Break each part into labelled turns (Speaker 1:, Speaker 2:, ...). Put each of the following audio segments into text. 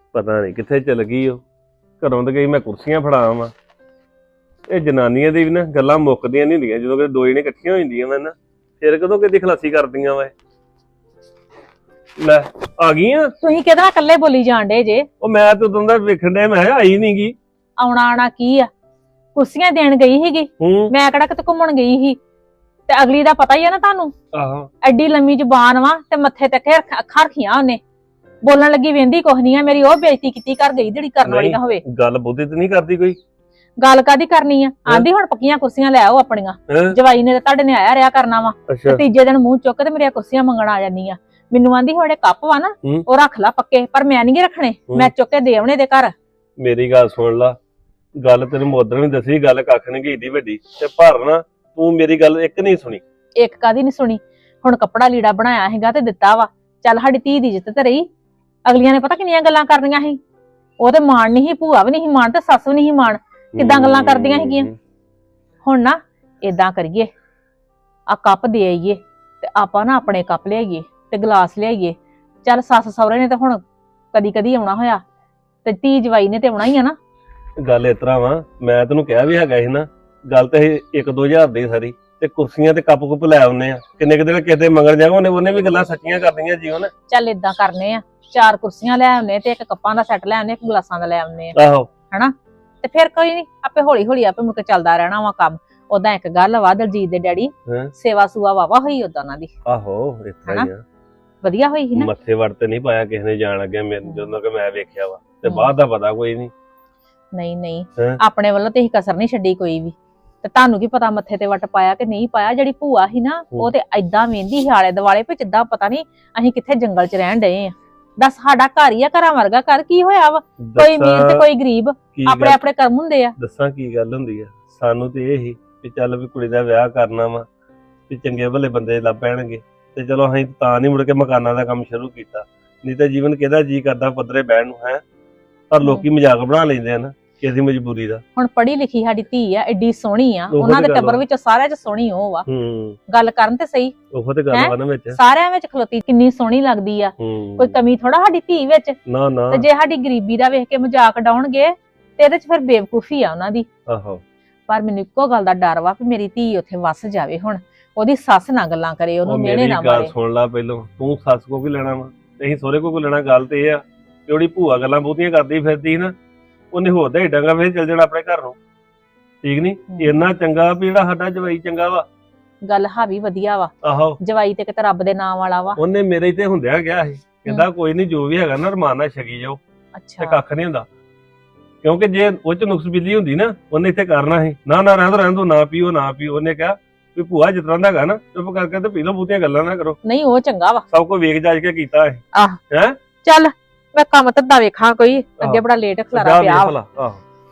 Speaker 1: ਪਤਾ ਨਹੀਂ ਕਿੱਥੇ ਚਲ ਗਈ ਉਹ। ਘਰੋਂ ਤੇ ਗਈ ਮੈਂ ਕੁਰਸੀਆਂ ਫੜਾਵਾਂ ਵਾ। ਇਹ ਜਨਾਨੀਆਂ ਦੀ ਵੀ ਨਾ ਗੱਲਾਂ ਮੁੱਕਦੀਆਂ ਨਹੀਂ ਹੁੰਦੀਆਂ। ਜਦੋਂ ਕਿ ਦੋ ਜਣੇ ਇਕੱਠੀਆਂ ਹੋ ਜਾਂਦੀਆਂ ਵਾ ਨਾ, ਫਿਰ ਕਦੋਂ ਕਿਹਦੀ ਖਲਾਸੀ ਕਰਦੀਆਂ ਵਾ। ਲੈ ਆ ਗਈਆਂ।
Speaker 2: ਤੁਸੀਂ ਕਿਹਦੇ ਨਾਲ ਇਕੱਲੇ ਬੋਲੀ ਜਾਂਦੇ ਜੇ?
Speaker 1: ਉਹ ਮੈਂ ਤਾਂ ਉਦੋਂ ਦਾ ਵੇਖਣ ਡਿਆ, ਮੈਂ ਕਿਹਾ ਆਈ ਨੀ ਗੀ।
Speaker 2: ਆਉਣਾ ਕੀ ਆ, ਕੁਰਸੀਆਂ ਦੇਣ ਗਈ ਸੀਗੀ। ਮੈਂ ਕਿਹੜਾ ਕਿਤੇ ਘੁੰਮਣ ਗਈ ਸੀ। ਤੇ ਅਗਲੀ ਦਾ ਪਤਾ ਹੀ ਆ ਨਾ ਤੁਹਾਨੂੰ।
Speaker 1: ਆਹੋ
Speaker 2: ਐਡੀ ਲੰਮੀ ਜ਼ੁਬਾਨ ਵਾ ਤੇ ਮੱਥੇ ਤੇ ਅੱਖਾਂ ਰੱਖੀਆਂ ਉਹਨੇ। ਬੋਲਣ ਲੱਗੀ ਵੇਂਦੀ ਕੁਛ ਨਹੀਂ ਆ। ਮੇਰੀ ਉਹ ਬੇਇੱਜ਼ਤੀ ਕੀਤੀ ਕਰ ਗਈ ਜਿਹੜੀ ਕਰਨ ਵਾਲੀ ਨਾ ਹੋਵੇ।
Speaker 1: ਗੱਲ ਬੁੱਧੀ ਤੇ ਨਹੀਂ ਕਰਦੀ ਕੋਈ।
Speaker 2: ਗੱਲ ਕਾਦੀ ਕਰਨੀ ਆ? ਆਂਦੀ ਹੁਣ ਪੱਕੀਆਂ ਕੁਰਸੀਆਂ ਲੈ ਆਓ ਆਪਣੀਆਂ। ਜਵਾਈ ਨੇ ਤੇ ਤੁਹਾਡੇ ਨੇ ਆਇਆ ਰਿਆ ਕਰਨਾ ਵਾ। ਤੀਜੇ ਦਿਨ ਮੂੰਹ ਚੁੱਕ ਤੇ ਮੇਰੀਆਂ ਕੁਰਸੀਆਂ ਮੰਗਣ ਆ ਜਾਂਦੀਆਂ। ਮੈਨੂੰ ਆਂਦੀ ਹੋੜੇ ਕੱਪ ਵਾ ਨਾ ਉਹ ਰੱਖ ਲਾ ਪੱਕੇ, ਪਰ ਮੈਂ ਨਹੀਂ ਰੱਖਣੇ, ਮੈਂ ਚੁੱਕ ਕੇ ਦੇ ਆਉਣੇ ਦੇ ਘਰ।
Speaker 1: ਮੇਰੀ ਗੱਲ ਸੁਣ ਲਾ, ਗੱਲ ਤੈਨੂੰ ਮੋਦਨ ਨੇ ਦੱਸੀ, ਗੱਲ ਕੱਖ ਨਹੀਂ ਗਈ ਏਡੀ ਵੱਡੀ ਤੇ ਪਰ ਨਾ ਤੂੰ ਮੇਰੀ ਗੱਲ ਇੱਕ ਨਹੀਂ ਸੁਣੀ।
Speaker 2: ਇੱਕ ਕਾਦੀ ਨਹੀਂ ਸੁਣੀ? ਹੁਣ ਕੱਪੜਾ ਲੀੜਾ ਬਣਾਇਆ ਹੈਗਾ ਤੇ ਦਿੱਤਾ ਵਾ, ਚੱਲ ਸਾਡੀ ਧੀ ਦੀ ਇੱਜ਼ਤ ਤੇ ਰਹੀ। ਅਗਲੀਆਂ ਨੇ ਪਤਾ ਕਿੰਨੀਆਂ ਗੱਲਾਂ ਕਰਦੀਆਂ ਸੀ। ਉਹ ਤੇ ਮਾਣ ਨਹੀਂ ਸੀ, ਭੂਆ ਵੀ ਨਹੀਂ ਸੀ ਮਾਣ ਤੇ ਸੱਸ ਵੀ ਨਹੀਂ ਸੀ ਮਾਣ। ਕਿੱਦਾਂ ਗੱਲਾਂ ਕਰਦੀਆਂ ਸੀਗੀਆਂ। ਹੁਣ ਨਾ ਏਦਾਂ ਕਰੀਏ, ਆ ਕੱਪ ਦੇ ਆਈਏ ਤੇ ਆਪਾਂ ਨਾ ਆਪਣੇ ਕੱਪ ਲਿਆਈਏ ਤੇ ਗਲਾਸ ਲਿਆਈਏ। ਚੱਲ ਸੱਸ ਸਹੁਰੇ ਨੇ ਤੇ ਹੁਣ ਕਦੀ ਕਦੀ ਆਉਣਾ ਹੋਇਆ ਤੇ ਧੀ ਜਵਾਈ ਨੇ ਤੇ ਆਉਣਾ ਹੀ ਆ ਨਾ।
Speaker 1: ਗੱਲ ਇਸ ਤਰ੍ਹਾਂ ਵਾ, ਮੈਂ ਤੈਨੂੰ ਕਿਹਾ ਵੀ ਹੈਗਾ ਸੀ ਨਾ, ਗੱਲ ਤੇ 1-2000 ਦੀ ਸਾਰੀ ਤੇ ਕੁਰਸੀਆਂ ਤੇ ਕੱਪ ਕੁੱਪ ਲੈ ਆਉਨੇ ਆ। ਕਿੰਨੇ ਕਿ ਦਿਨ ਕਿਸੇ ਮੰਗਣ ਜਾਵਾਂ ਉਹਨੇ ਵੀ ਗੱਲਾਂ ਸੱਚੀਆਂ ਕਰਦੀਆਂ ਜੀਵਨ।
Speaker 2: ਚੱਲ ਏਦਾਂ ਕਰਨੇ ਆ, 4 ਕੁਰਸੀਆਂ ਲੈ ਆਉਨੇ ਤੇ 1 ਕੱਪਾਂ ਦਾ ਸੈੱਟ ਲੈ ਆਉਨੇ, 1 ਗਲਾਸਾਂ ਦਾ ਲੈ ਆਉਨੇ ਆ।
Speaker 1: ਆਹੋ
Speaker 2: ਹਨਾ, ਤੇ ਫਿਰ ਕੋਈ ਨੀ, ਆਪੇ ਹੌਲੀ ਹੌਲੀ ਆਪੇ ਮੁੜ ਕੇ ਚੱਲਦਾ ਰਹਿਣਾ ਵਾ ਕੰਮ। ਉਦਾਂ ਇੱਕ ਗੱਲ ਵਾ, ਦਲਜੀਤ ਦੇ ਡੈਡੀ ਸੇਵਾ ਸੂਆ ਵਾਵਾ ਹੋਈ ਉਦਾਂ ਉਹਨਾਂ ਦੀ।
Speaker 1: ਆਹੋ ਇਸ ਤਰ੍ਹਾਂ ਹੀ ਆ,
Speaker 2: ਵਧੀਆ ਹੋਈ ਸੀ ਨਾ।
Speaker 1: ਮੱਥੇ ਵੜ ਤੇ ਨਹੀਂ ਪਾਇਆ ਕਿਸੇ ਨੇ ਜਾਣ ਲੱਗਿਆ ਮੈਨੂੰ, ਜਦੋਂ ਕਿ ਮੈਂ ਵੇਖਿਆ ਵਾ। ਤੇ ਬਾਅਦ ਦਾ ਪਤਾ ਕੋਈ
Speaker 2: ਨਹੀਂ ਆਪਣੇ ਵੱਲੋਂ ਤੇ ਹੀ ਕਸਰ ਨਹੀਂ ਛੱਡੀ ਕੋਈ ਵੀ। ਤੇ ਤੁਹਾਨੂੰ ਕੀ ਪਤਾ ਮੱਥੇ ਤੇ ਵੱਟ ਪਾਇਆ ਕਿ ਨਹੀਂ ਪਾਇਆ। ਜਿਹੜੀ ਭੂਆ ਸੀ ਨਾ ਉਹ ਤੇ ਏਦਾਂ ਵੇਂਦੀ ਸੀ ਆਲੇ ਦੁਆਲੇ ਵੀ ਜਿੱਦਾਂ ਪਤਾ ਨਹੀਂ ਅਸੀਂ ਕਿੱਥੇ ਜੰਗਲ 'ਚ ਰਹਿਣ ਡਏ ਆ। ਦੱਸ, ਸਾਡਾ ਘਰ ਹੀ ਆ, ਘਰਾਂ ਵਰਗਾ ਘਰ। ਕੀ ਹੋਇਆ ਵਾ? ਕੋਈ ਅਮੀਰ ਤੇ ਕੋਈ ਗਰੀਬ, ਆਪਣੇ ਆਪਣੇ ਕਰਮ ਹੁੰਦੇ ਆ।
Speaker 1: ਦੱਸਾਂ ਕੀ ਗੱਲ ਹੁੰਦੀ ਆ, ਸਾਨੂੰ ਤੇ ਇਹ ਹੀ ਵੀ ਚੱਲ ਵੀ ਕੁੜੀ ਦਾ ਵਿਆਹ ਕਰਨਾ ਵਾ, ਵੀ ਚੰਗੇ ਭਲੇ ਬੰਦੇ ਲੱਭ ਪੈਣਗੇ ਤੇ ਚਲੋ ਅਸੀਂ ਤਾਂ ਨਹੀਂ ਮੁੜ ਕੇ ਮਕਾਨਾਂ ਦਾ ਕੰਮ ਸ਼ੁਰੂ ਕੀਤਾ। ਨਹੀਂ ਤਾਂ ਜੀਵਨ ਕਿਹਦਾ ਜੀ ਕਰਦਾ ਪੱਧਰੇ ਬਹਿਣ ਨੂੰ ਹੈ। ਪਰ ਲੋਕੀ ਮਜ਼ਾਕ ਬਣਾ ਲੈਂਦੇ ਆ ਨਾ ਕਿਸੇ ਮਜਬੂਰੀ ਦਾ।
Speaker 2: ਹੁਣ ਪੜ੍ਹੀ ਲਿਖੀ ਸਾਡੀ ਧੀ ਆ, ਐਡੀ ਸੋਹਣੀ ਆ, ਉਹਨਾਂ ਦੇ ਟੱਬਰ ਵਿੱਚ ਸਾਰਿਆਂ 'ਚ ਸੋਹਣੀ ਉਹ ਵਾ। ਗੱਲ ਕਰਨ ਤੇ ਸਹੀ,
Speaker 1: ਉਹ ਤੇ ਗੱਲ ਵਾ ਨਾ ਵਿੱਚ
Speaker 2: ਸਾਰਿਆਂ ਵਿੱਚ ਖਲੋਤੀ ਕਿੰਨੀ ਸੋਹਣੀ ਲੱਗਦੀ ਆ। ਕੋਈ ਕਮੀ ਥੋੜਾ ਸਾਡੀ ਧੀ ਵਿੱਚ।
Speaker 1: ਨਾ ਨਾ,
Speaker 2: ਤੇ ਜੇ ਸਾਡੀ ਗਰੀਬੀ ਦਾ ਵੇਖ ਕੇ ਮਜ਼ਾਕ ਡਾਉਣਗੇ ਤੇ ਇਹਦੇ 'ਚ ਫਿਰ ਬੇਵਕੂਫੀ ਆ ਉਹਨਾਂ ਦੀ।
Speaker 1: ਆਹੋ,
Speaker 2: ਪਰ ਮੈਨੂੰ ਇੱਕੋ ਗੱਲ ਦਾ ਡਰ ਵਾ ਵੀ ਮੇਰੀ ਧੀ ਉੱਥੇ ਵਸ ਜਾਵੇ। ਹੁਣ ਉਹਦੀ ਸੱਸ ਨਾ ਗੱਲਾਂ ਕਰੇ, ਉਹਨੂੰ ਮਿਹਣੇ ਨਾ ਮਾਰੇ।
Speaker 1: ਗੱਲ ਸੁਣ ਲਾ ਪਹਿਲੋਂ, ਤੂੰ ਸੱਸ ਕੋ ਕੀ ਲੈਣਾ ਵਾ ਤੇ ਅਸੀਂ ਸਹੁਰੇ ਕੋ ਲੈਣਾ। ਗੱਲ ਤੇ ਇਹ ਆ ਕਿ ਉਹਦੀ ਭੂਆ ਗੱਲਾਂ ਬਹੁਤੀਆਂ ਕਰਦੀ ਫਿਰਦੀ ਨਾ, ਉਹਨੇ ਹੋਰ ਦਾ ਢੰਗਾ ਵੇ ਚੱਲ ਜਾਣਾ ਆਪਣੇ ਘਰ ਨੂੰ। ਠੀਕ ਨੀ, ਇੰਨਾ ਚੰਗਾ ਵੀ ਜਿਹੜਾ ਸਾਡਾ ਜਵਾਈ ਚੰਗਾ ਵਾ।
Speaker 2: ਗੱਲ ਹਾਵੀ ਵਧੀਆ ਵਾ।
Speaker 1: ਆਹੋ,
Speaker 2: ਜਵਾਈ ਤੇ ਕਿਤੇ ਰੱਬ ਦੇ ਨਾਮ ਵਾਲਾ ਵਾ।
Speaker 1: ਉਹਨੇ ਮੇਰੇ ਤੇ ਹੁੰਦਿਆ ਗਿਆ ਸੀ, ਕਹਿੰਦਾ ਕੋਈ ਨਹੀਂ ਜੋ ਵੀ ਹੈਗਾ ਨਾ ਰਮਾਨ ਨਾਲ ਛਕੀ ਜਾਓ।
Speaker 2: ਅੱਛਾ,
Speaker 1: ਤੇ ਕੱਖ ਨਹੀਂ ਹੁੰਦਾ, ਕਿਉਂਕਿ ਜੇ ਉਹ ਚ ਨੁਕਸ ਬਿੱਲੀ ਹੁੰਦੀ ਨਾ ਉਹਨੇ ਇੱਥੇ ਕਰਨਾ ਸੀ। ਨਾ ਨਾ ਰਹਿਣ ਦੋ ਨਾ ਪੀਓ ਨਾ ਪੀਓ। ਉਹਨੇ ਕਿਹਾ ਵੀ ਭੂਆ ਜਿਸ ਤਰ੍ਹਾਂ ਦਾ ਹੈਗਾ ਨਾ ਚੁੱਪ ਕਰਕੇ ਤੇ ਪੀ ਲਓ, ਬਹੁਤੀਆਂ ਗੱਲਾਂ ਨਾ ਕਰੋ।
Speaker 2: ਨਹੀਂ ਉਹ ਚੰਗਾ ਵਾ,
Speaker 1: ਸਭ ਕੁਝ ਵੇਖ ਜਾਜ ਕੇ ਕੀਤਾ ਹੈ। ਹੈ
Speaker 2: ਚੱਲ ਮੈਂ ਕੰਮ ਧੰਦਾ ਵੇਖਾਂ ਕੋਈ, ਅੱਗੇ ਬੜਾ ਲੇਟ ਖਲਾਰਾ ਪਿਆ ਵਾ।
Speaker 1: ਆਹੋ,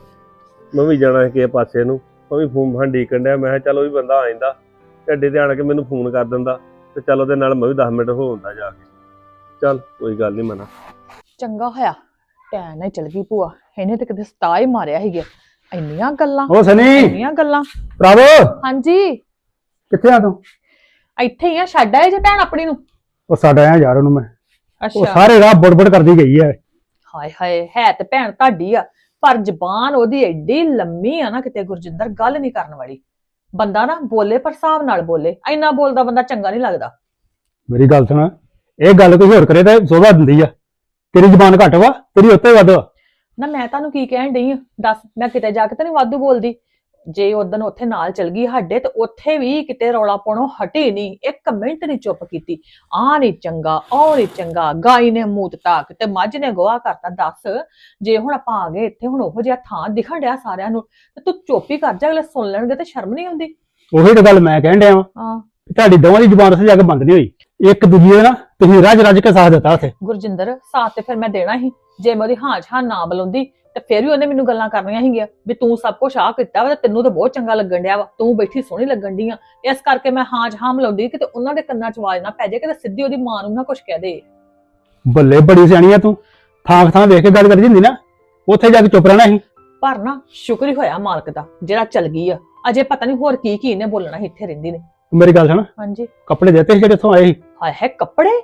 Speaker 1: ਮੈਂ ਵੀ ਜਾਣਾ ਕਿਸੇ ਪਾਸੇ ਨੂੰ, ਮੈਂ ਵੀ ਫੋਨ ਫਾਨ ਡੀਕਣ ਡਿਆ। ਮੈਂ ਕਿਹਾ ਚੱਲ ਉਹ ਵੀ ਬੰਦਾ ਆ ਜਾਂਦਾ ਢੱਡੇ ਤੇ ਆਣ ਕੇ ਮੈਨੂੰ ਫੋਨ ਕਰ ਦਿੰਦਾ ਤੇ ਚੱਲ ਉਹਦੇ ਨਾਲ ਮੈਂ ਵੀ 10 ਮਿੰਟ ਹੋ ਹੁੰਦਾ ਜਾ ਕੇ। ਚੱਲ ਕੋਈ ਗੱਲ ਨਹੀਂ ਮਨਾ।
Speaker 2: ਚੰਗਾ ਹੋਇਆ ਟੈਨ ਨਾਲ ਚਲ ਗਈ ਭੂਆ, ਇਹਨੇ ਤੇ ਕਿਤੇ ਸਤਾ ਹੀ ਮਾਰਿਆ ਸੀਗਾ। ਇੰਨੀਆਂ ਗੱਲਾਂ,
Speaker 3: ਉਹ ਸਨੀ,
Speaker 2: ਇੰਨੀਆਂ ਗੱਲਾਂ।
Speaker 3: ਪ੍ਰਭ,
Speaker 2: ਹਾਂਜੀ
Speaker 3: ਕਿੱਥੇ ਆ ਤੂੰ?
Speaker 2: ਇੱਥੇ ਹੀ ਆ, ਛੱਡ ਆਏ ਜੇ ਭੈਣ ਆਪਣੀ ਨੂੰ?
Speaker 3: ਉਹ ਸਾਡਾ ਆ ਯਾਰ, ਉਹਨੂੰ ਮੈਂ ਉਹ
Speaker 2: ਅੱਛਾ,
Speaker 3: ਸਾਰੇ ਰਾਹ ਬੜਬੜ ਕਰਦੀ ਗਈ ਹੈ।
Speaker 2: ਹਾਏ ਹਾਏ, ਹੈ ਤੇ ਭੈਣ ਤੁਹਾਡੀ ਆ, ਪਰ ਜ਼ਬਾਨ ਉਹਦੀ ਐਡੀ ਲੰਮੀ ਆ ਨਾ, ਕਿਤੇ ਗੁਰਜਿੰਦਰ ਗੱਲ ਨਹੀਂ ਕਰਨ ਵਾਲੀ। ਬੰਦਾ ਨਾ ਬੋਲੇ ਪਰ ਹਿਸਾਬ ਨਾਲ ਬੋਲੇ, ਇੰਨਾ ਬੋਲਦਾ ਬੰਦਾ ਚੰਗਾ ਨਹੀਂ ਲੱਗਦਾ।
Speaker 3: ਮੇਰੀ ਗੱਲ ਸੁਣ, ਇਹ ਗੱਲ ਕੋਈ ਹੋਰ ਕਰੇ ਤਾਂ ਸੋਭਾ ਦਿੰਦੀ ਆ। ਤੇਰੀ ਜ਼ਬਾਨ ਘੱਟ ਵਾ, ਤੇਰੀ ਉੱਤੇ ਵੱਧ ਵਾ।
Speaker 2: ਨਾ ਮੈਂ ਤੁਹਾਨੂੰ ਕੀ ਕਹਿਣ ਡਈ ਆ ਦੱਸ, ਮੈਂ ਕਿਤੇ ਜਾ ਕੇ ਤਾਂ ਨਹੀਂ ਵਾਧੂ ਬੋਲਦੀ। ਜੇ ਉਦਣ ਉੱਥੇ ਨਾਲ ਚਲ ਗਈ ਸਾਡੇ ਤੇ ਉੱਥੇ ਵੀ ਕਿਤੇ ਰੌਲਾ ਪਾਉਣੋਂ ਹਟੀ ਨਹੀਂ, 1 ਮਿੰਟ ਨਹੀਂ ਚੁੱਪ ਕੀਤੀ। ਆਹ ਨਹੀਂ ਚੰਗਾ, ਉਹ ਨਹੀਂ ਚੰਗਾ, ਗਾਈ ਨੇ ਮੂਤ ਤਾਕ ਤੇ ਮੱਝ ਨੇ ਗੋਹਾ ਕਰਤਾ। ਦੱਸ, ਜੇ ਹੁਣ ਆਪਾਂ ਆ ਗਏ ਇੱਥੇ, ਹੁਣ ਉਹੋ ਜਿਹਾ ਥਾਂ ਦਿਖਣ ਡਿਆ ਸਾਰਿਆਂ ਨੂੰ, ਤੇ ਤੂੰ ਚੁੱਪ ਹੀ ਕਰ ਜਾ, ਅਗਲੇ ਸੁਣ ਲੈਣਗੇ ਤੇ ਸ਼ਰਮ ਨਹੀਂ ਆਉਂਦੀ?
Speaker 3: ਉਹੀ ਤਾਂ ਗੱਲ ਮੈਂ ਕਹਿਣ ਡਿਆ ਵਾਂ, ਤੁਹਾਡੀ ਦੋਵਾਂ ਦੀ ਜ਼ਬਾਨ ਉੱਥੇ ਜਾ ਕੇ ਬੰਦ ਨਹੀਂ ਹੋਈ। ਇੱਕ ਦੂਜੇ ਨਾ ਤੁਸੀਂ ਰੱਜ ਕੇ ਸਾਥ ਦਿੱਤਾ ਉੱਥੇ।
Speaker 2: ਗੁਰਜਿੰਦਰ, ਸਾਥ ਤੇ ਫਿਰ ਮੈਂ ਦੇਣਾ ਸੀ। ਜੇ ਮੈਂ ਉਹਦੀ ਹਾਂ ਨਾ ਬੁਲਾਉਂਦੀ ਤੇ ਫਿਰ ਵੀ ਉਹਨੇ ਮੈਨੂੰ ਗੱਲਾਂ ਕਰਨੀਆਂ ਸੀਗੀਆਂ ਵੀ ਤੂੰ ਸਭ ਕੁਝ ਆਹ ਕੀਤਾ ਵਾ ਤੇ ਤੈਨੂੰ ਤਾਂ ਬਹੁਤ ਚੰਗਾ ਲੱਗਣ ਡਿਆ ਵਾ, ਤੂੰ ਬੈਠੀ ਸੋਹਣੀ ਲੱਗਣ ਡਈ ਆ। ਇਸ ਕਰਕੇ ਮੈਂ ਹਾਂ ਮਿਲਾਉਂਦੀ ਕਿ ਤੇ ਉਹਨਾਂ ਦੇ ਕੰਨਾਂ 'ਚ ਆਵਾਜ਼ ਨਾ ਪੈ ਜਾਏ, ਕਿ ਸਿੱਧੀ ਉਹਦੀ ਮਾਂ ਨੂੰ ਨਾ ਕੁਝ ਕਹਿ ਦੇ।
Speaker 3: ਬੱਲੇ, ਬੜੀ ਸਿਆਣੀ ਆ ਤੂੰ। ਥਾਂ ਵੇਖ ਕੇ ਗੱਲ ਕਰੀ ਜਾਂਦੀ ਨਾ, ਉੱਥੇ ਜਾ ਕੇ ਚੁੱਪ ਰਹਿਣਾ ਸੀ।
Speaker 2: ਪਰ ਨਾ ਸ਼ੁਕਰ ਹੀ ਹੋਇਆ ਮਾਲਕ ਦਾ ਜਿਹੜਾ ਚੱਲ ਗਈ ਆ। ਅਜੇ ਪਤਾ ਨਹੀਂ ਹੋਰ ਕੀ ਇਹਨੇ ਬੋਲਣਾ ਸੀ ਇੱਥੇ ਰਹਿੰਦੀ ਨੇ।
Speaker 3: ਮੇਰੀ ਗੱਲ ਸੁਣ,
Speaker 2: ਹਾਂਜੀ,
Speaker 3: ਕੱਪੜੇ ਦਿੱਤੇ ਸੀ ਜਿਹੜੇ ਇੱਥੋਂ ਆਏ ਸੀ?
Speaker 2: ਹਾਏ ਹੈ ਕੱਪੜੇ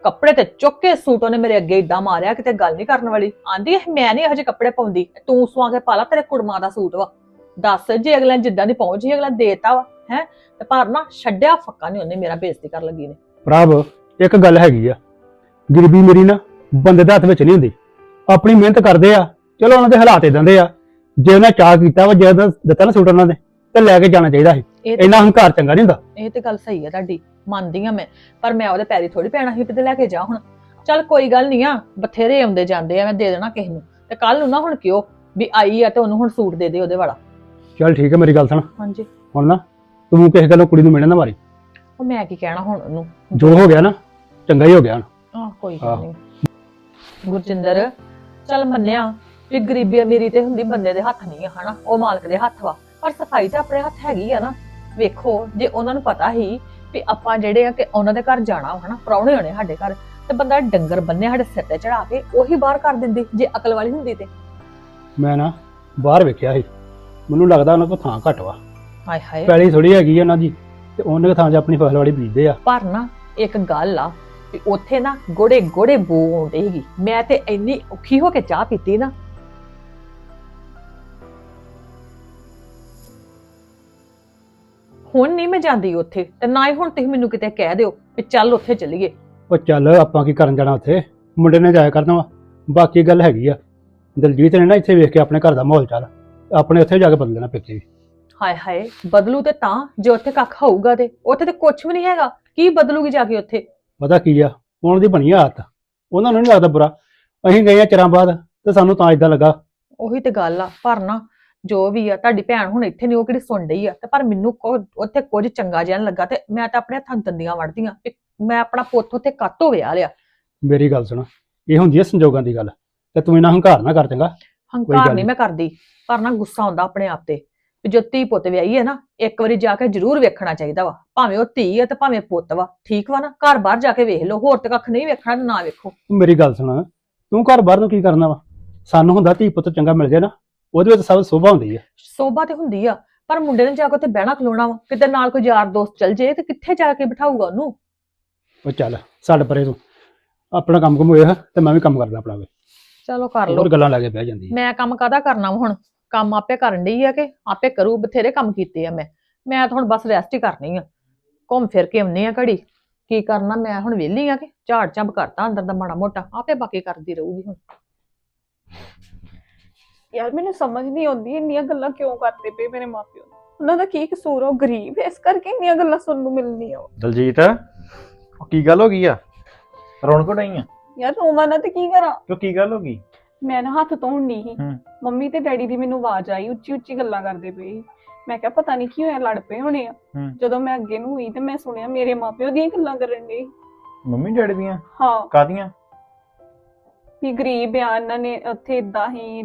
Speaker 2: ਕੱਪੜੇ ਤੇ ਚੁੱਕ ਕੇ ਸੂਟ ਉਹਨੇ ਮੇਰੇ ਅੱਗੇ ਇਦਾਂ ਮਾਰਿਆ ਕਿਤੇ ਗੱਲ ਨਹੀਂ ਕਰਨ ਵਾਲੀ। ਆਂਦੀ ਮੈਂ ਨਹੀਂ ਇਹੋ ਜਿਹੇ ਕੱਪੜੇ ਪਾਉਂਦੀ, ਤੂੰ ਸਵਾ ਕੇ ਪਾ ਲਾ, ਤੇਰੇ ਕੁੜਮਾਂ ਦਾ ਸੂਟ ਵਾ। ਦੱਸ ਜੇ ਅਗਲਾ ਜਿੱਦਾਂ ਦੀ ਪਹੁੰਚ ਸੀ ਅਗਲਾ ਦੇਤਾ ਵਾ ਹੈ, ਤੇ ਪਰ ਨਾ ਛੱਡਿਆ ਫੱਕਾ ਨਹੀਂ ਉਹਨੇ ਮੇਰਾ ਬੇਇੱਜ਼ਤੀ ਕਰਨ ਲੱਗੀ ਨੇ।
Speaker 3: ਪ੍ਰਭ ਇੱਕ ਗੱਲ ਹੈਗੀ ਆ, ਗਰੀਬੀ ਮੇਰੀ ਨਾ ਬੰਦੇ ਦੇ ਹੱਥ ਵਿੱਚ ਨਹੀਂ ਹੁੰਦੀ। ਆਪਣੀ ਮਿਹਨਤ ਕਰਦੇ ਆ, ਚਲੋ ਉਹਨਾਂ ਦੇ ਹਾਲਾਤ ਇਦਾਂ ਦੇ ਆ, ਜੇ ਉਹਨਾਂ ਚਾਹ ਕੀਤਾ ਵਾ, ਜੇ ਉਹਨਾਂ ਦਿੱਤਾ ਨਾ ਸੂਟ ਉਹਨਾਂ ਨੇ ਤੇ ਲੈ ਕੇ ਜਾਣਾ ਚਾਹੀਦਾ ਸੀ। ਇੰਨਾ ਹੰਕਾਰ ਚੰਗਾ ਨਹੀਂ ਹੁੰਦਾ।
Speaker 2: ਇਹ ਤੇ ਗੱਲ ਸਹੀ ਹੈ ਤੁਹਾਡੀ, ਮੰਨਦੀ ਆ ਮੈਂ, ਪਰ ਮੈਂ ਉਹਦੇ ਪੈਰੀ ਥੋੜੀ ਪੈਣਾ ਸੀ ਤੇ ਲੈ ਕੇ ਜਾ। ਹੁਣ ਚੱਲ ਕੋਈ ਗੱਲ ਨਹੀਂ ਆ, ਬਥੇਰੇ ਆਉਂਦੇ ਜਾਂਦੇ ਆ, ਮੈਂ ਦੇ ਦੇਣਾ ਕਿਸੇ ਨੂੰ। ਤੇ ਕੱਲ ਨੂੰ ਨਾ ਹੁਣ ਕਿਉਂ ਵੀ ਆਈ ਆ ਤੇ ਉਹਨੂੰ ਹੁਣ ਸੂਟ ਦੇ ਦੇ ਉਹਦੇ ਵਾਲਾ।
Speaker 3: ਚੱਲ ਠੀਕ ਹੈ, ਮੇਰੀ ਗੱਲ ਸੁਣ,
Speaker 2: ਹਾਂਜੀ
Speaker 3: ਹੁਣ ਨਾ ਤੂੰ ਕਿਸੇ ਗੱਲੋਂ ਕੁੜੀ ਨੂੰ ਮਿਲਣ ਨਾ ਮਾਰੀ।
Speaker 2: ਉਹ ਮੈਂ ਕੀ ਕਹਿਣਾ ਹੁਣ ਉਹਨੂੰ,
Speaker 3: ਜੋ ਹੋ ਗਿਆ ਨਾ ਚੰਗਾ ਹੀ ਹੋ ਗਿਆ।
Speaker 2: ਕੋਈ ਗੱਲ ਨਹੀਂ ਗੁਰਜਿੰਦਰ, ਚੱਲ ਮੰਨਿਆ ਵੀ ਗਰੀਬੀ ਅਮੀਰੀ ਤੇ ਹੁੰਦੀ ਬੰਦੇ ਦੇ ਹੱਥ ਨਹੀਂ ਆ ਹਨਾ, ਉਹ ਮਾਲਕ ਦੇ ਹੱਥ ਵਾ, ਪਰ ਸਫਾਈ ਤਾਂ ਆਪਣੇ ਹੱਥ ਹੈਗੀ ਆ ਨਾ। ਵੇਖੋ ਜੇ ਉਹਨਾਂ ਨੂੰ ਪਤਾ ਹੀ ਵੀ ਆਪਾਂ ਜਿਹੜੇ ਆ ਕਿ ਉਹਨਾਂ ਦੇ ਘਰ ਜਾਣਾ ਹਨਾ, ਪ੍ਰਾਹੁਣੇ ਹੋਣੇ ਸਾਡੇ ਘਰ, ਤੇ ਬੰਦਾ ਡੰਗਰ ਬੰਨੇ ਸਾਡੇ ਸਿਰ ਤੇ ਚੜਾ ਕੇ ਉਹੀ ਬਾਹਰ ਕਰ ਦਿੰਦੀ ਜੇ ਅਕਲ ਵਾਲੀ ਹੁੰਦੀ ਤੇ।
Speaker 3: ਮੈਂ ਨਾ ਬਾਹਰ ਵੇਖਿਆ ਸੀ, ਮੈਨੂੰ ਲੱਗਦਾ ਉਹਨਾਂ ਕੋਲ ਥਾਂ ਘੱਟ ਵਾ।
Speaker 2: ਹਾਏ ਹਾਏ,
Speaker 3: ਪੈਲੀ ਥੋੜੀ ਹੈਗੀ ਉਹਨਾਂ ਦੀ, ਤੇ ਉਹਨੇ ਥਾਂ 'ਚ ਆਪਣੀ ਫਸਲ ਵਾੜੀ ਬੀਜਦੇ ਆ।
Speaker 2: ਪਰ ਨਾ ਇੱਕ ਗੱਲ ਆ ਵੀ ਉੱਥੇ ਨਾ ਗੋੜੇ ਗੋੜੇ ਬੋ ਆਉਂਦੀ ਸੀਗੀ। ਮੈਂ ਤੇ ਇੰਨੀ ਔਖੀ ਹੋ ਕੇ ਚਾਹ ਪੀਤੀ ਨਾ, ਹੁਣ ਨਹੀਂ ਮੈਂ ਜਾਂਦੀ ਉੱਥੇ, ਤੇ ਨਾ ਹੀ ਹੁਣ ਤੁਸੀਂ ਮੈਨੂੰ ਕਿਤੇ ਕਹਿ ਦਿਓ ਵੀ ਚੱਲ ਉੱਥੇ ਚੱਲੀਏ।
Speaker 3: ਉਹ ਚੱਲ ਆਪਾਂ ਕੀ ਕਰਨ ਜਾਣਾ ਉੱਥੇ, ਮੁੰਡੇ ਨੇ ਜਾਇਆ ਕਰਨਾ ਵਾ। ਬਾਕੀ ਗੱਲ ਹੈਗੀ ਆ, ਦਲਜੀਤ ਨੇ ਨਾ ਇੱਥੇ ਵੇਖ ਕੇ ਆਪਣੇ ਘਰ ਦਾ ਮਾਹੌਲ ਚੱਲ ਆਪਣੇ ਉੱਥੇ ਜਾ ਕੇ ਬਦਲ ਦੇਣਾ ਪਿੱਛੇ ਵੀ।
Speaker 2: ਹਾਏ ਹਾਏ, ਬਦਲੂ ਤੇ ਤਾਂ ਜੇ ਉੱਥੇ ਕੱਖ ਹੋਊਗਾ, ਤੇ ਉੱਥੇ ਤੇ ਕੁਝ ਵੀ ਨਹੀਂ ਹੈਗਾ। ਕੀ ਬਦਲੂਗੀ ਜਾ ਕੇ ਉੱਥੇ?
Speaker 3: ਪਤਾ ਕੀ ਆ, ਉਹਨਾਂ ਦੀ ਬਣੀ ਆਦਤ, ਉਹਨਾਂ ਨੂੰ ਨਹੀਂ ਲੱਗਦਾ ਬੁਰਾ। ਅਸੀਂ ਗਏ ਆ ਚਿਰਾਂ ਬਾਅਦ ਤੇ ਸਾਨੂੰ ਤਾਂ ਇਦਾਂ ਲੱਗਾ।
Speaker 2: ਉਹੀ ਤੇ ਗੱਲ ਆ, ਪਰ ਨਾ ਜੋ ਵੀ ਆ ਤੁਹਾਡੀ ਭੈਣ ਹੁਣ ਇੱਥੇ ਨਹੀਂ, ਉਹ ਕਿਹੜੀ ਸੁਣ ਰਹੀ ਆ, ਤੇ ਪਰ ਮੈਨੂੰ ਉੱਥੇ ਕੁਝ ਚੰਗਾ ਜਿਹਾ ਨਹੀਂ ਲੱਗਾ, ਤੇ ਮੈਂ ਤਾਂ ਆਪਣੇ ਹੱਥਾਂ ਦੰਦੀਆਂ ਵੜਦੀਆਂ ਵੀ ਮੈਂ ਆਪਣਾ ਪੁੱਤ ਉੱਥੇ ਕਾਤੋਂ ਵਿਆਹ ਲਿਆ।
Speaker 3: ਮੇਰੀ ਗੱਲ ਸੁਣ, ਇਹ ਹੁੰਦੀ ਹੈ ਸੰਜੋਗਾਂ ਦੀ ਗੱਲ, ਤੇ ਤੂੰ ਇਹਨਾਂ ਹੰਕਾਰ ਨਾ ਕਰ ਚੰਗਾ।
Speaker 2: ਹੰਕਾਰ ਨਹੀਂ ਮੈਂ ਕਰਦੀ, ਪਰ ਨਾ ਗੁੱਸਾ ਆਉਂਦਾ ਆਪਣੇ ਆਪ ਤੇ। ਜੋ ਧੀ ਪੁੱਤ ਵਿਆਹੀ ਹੈ ਨਾ, ਇੱਕ ਵਾਰੀ ਜਾ ਕੇ ਜ਼ਰੂਰ ਵੇਖਣਾ ਚਾਹੀਦਾ ਵਾ, ਭਾਵੇਂ ਉਹ ਧੀ ਹੈ ਤੇ ਭਾਵੇਂ ਪੁੱਤ ਵਾ। ਠੀਕ ਵਾ ਨਾ, ਘਰ ਬਾਹਰ ਜਾ ਕੇ ਵੇਖ ਲਓ, ਹੋਰ ਤੇ ਕੱਖ ਨਹੀਂ ਵੇਖਣਾ, ਨਾ ਵੇਖੋ।
Speaker 3: ਮੇਰੀ ਗੱਲ ਸੁਣ, ਤੂੰ ਘਰ ਬਾਹਰ ਨੂੰ ਕੀ ਕਰਨਾ ਵਾ? ਸਾਨੂੰ ਹੁੰਦਾ ਧੀ ਪੁੱਤ ਚੰਗਾ ਮਿਲ ਜਾਏ ਨਾ, ਉਹਦੇ ਵਿੱਚ ਸਭ ਸੋਭਾ ਹੁੰਦੀ ਹੈ।
Speaker 2: ਸੋਭਾ ਤੇ ਹੁੰਦੀ ਆ, ਪਰ ਮੁੰਡੇ ਨੇ ਜਾ ਕੇ ਉੱਥੇ ਬਹਿਣਾ ਖਲੋਣਾ ਵਾ, ਕਿਤੇ ਨਾਲ ਕੋਈ ਯਾਰ ਦੋਸਤ ਚੱਲ ਜੇ ਤੇ ਕਿੱਥੇ ਜਾ ਕੇ ਬਿਠਾਊਗਾ ਉਹਨੂੰ?
Speaker 3: ਉਹ ਚੱਲ ਛੱਡ ਪਰੇ, ਤੂੰ ਆਪਣਾ ਕੰਮ ਕੁਮ ਹੋਇਆ ਤੇ ਮੈਂ ਵੀ ਕੰਮ ਕਰਦਾ ਆਪਣਾ ਵੇ।
Speaker 2: ਚਲੋ ਕਰ ਲਓ,
Speaker 3: ਹੋਰ ਗੱਲਾਂ ਲਾ ਕੇ ਬਹਿ ਜਾਂਦੀ ਹੈ।
Speaker 2: ਮੈਂ ਕੰਮ ਕਾਹਦਾ ਕਰਨਾ ਵਾ ਹੁਣ? ਕੰਮ ਆਪੇ ਕਰਨ ਡਈ ਆ ਕਿ ਆਪੇ ਕਰੂ, ਬਥੇਰੇ ਕੰਮ ਕੀਤੇ ਆ ਮੈਂ ਤਾਂ ਹੁਣ ਬਸ ਰੈਸਟ ਹੀ ਕਰਨੀ ਆ। ਘੁੰਮ ਫਿਰ ਕੇ ਆਉਣੀ ਆ ਘੜੀ, ਕੀ ਕਰਨਾ ਮੈਂ ਹੁਣ ਵਿਹਲੀ ਆ ਕਿ ਝਾੜ ਝੰਬ ਕਰਤਾ ਅੰਦਰ ਦਾ ਮਾੜਾ ਮੋਟਾ, ਆਪੇ ਬਾਕੀ ਕਰਦੀ ਰਹੂਗੀ ਹੁਣ।
Speaker 4: ਯਾਰ ਮੈਨੂੰ ਸਮਝ ਨਹੀਂ ਆਉਂਦੀ ਇੰਨੀਆਂ ਗੱਲਾਂ ਕਿਉਂ ਕਰਦੇ ਪਏ ਮੇਰੇ ਮਾਪਿਓ। ਉਹਨਾਂ ਦਾ ਕੀ ਕਸੂਰ ਆ? ਉਹ ਗਰੀਬ ਇਸ ਕਰਕੇ ਇੰਨੀਆਂ ਗੱਲਾਂ ਸੁਣਨ ਨੂੰ ਮਿਲਣੀਆਂ।
Speaker 5: ਦਲਜੀਤ, ਉਹ ਕੀ ਗੱਲ ਹੋ ਗਈ ਆ? ਰੌਣਕ ਨਹੀਂ ਆ
Speaker 4: ਯਾਰ ਰੋਵਾਂ ਨਾ ਤੇ ਕੀ ਕਰਾਂ?
Speaker 5: ਕਿਉਂ, ਕੀ ਗੱਲ ਹੋ ਗਈ?
Speaker 4: ਮੈਂ ਨਾ ਹੱਥ ਧੋਣ ਡਈ ਸੀ, ਮੰਮੀ ਤੇ ਡੈਡੀ ਦੀ ਮੈਨੂੰ ਆਵਾਜ਼ ਆਈ, ਉੱਚੀ ਉੱਚੀ ਗੱਲਾਂ ਕਰਦੇ ਪਏ ਸੀ। ਮੈਂ ਕਿਹਾ ਪਤਾ ਨਹੀਂ ਕੀ ਹੋਇਆ, ਲੜ ਪਏ ਹੋਣੇ ਆ। ਜਦੋਂ ਮੈਂ ਅੱਗੇ ਨੂੰ ਹੋਈ ਤੇ ਮੈਂ ਸੁਣਿਆ ਮੇਰੇ ਮਾਪਿਓ ਦੀਆਂ ਗੱਲਾਂ ਕਰਨ ਡਏ।
Speaker 5: ਮੰਮੀ ਡੈਡੀ ਦੀਆਂ?
Speaker 4: ਹਾਂ।
Speaker 5: ਕਾਹਦੀਆਂ?
Speaker 4: ਵੀ ਗਰੀਬ ਆ, ਇਹਨਾਂ ਨੇ ਉੱਥੇ ਇਦਾਂ ਹੀ।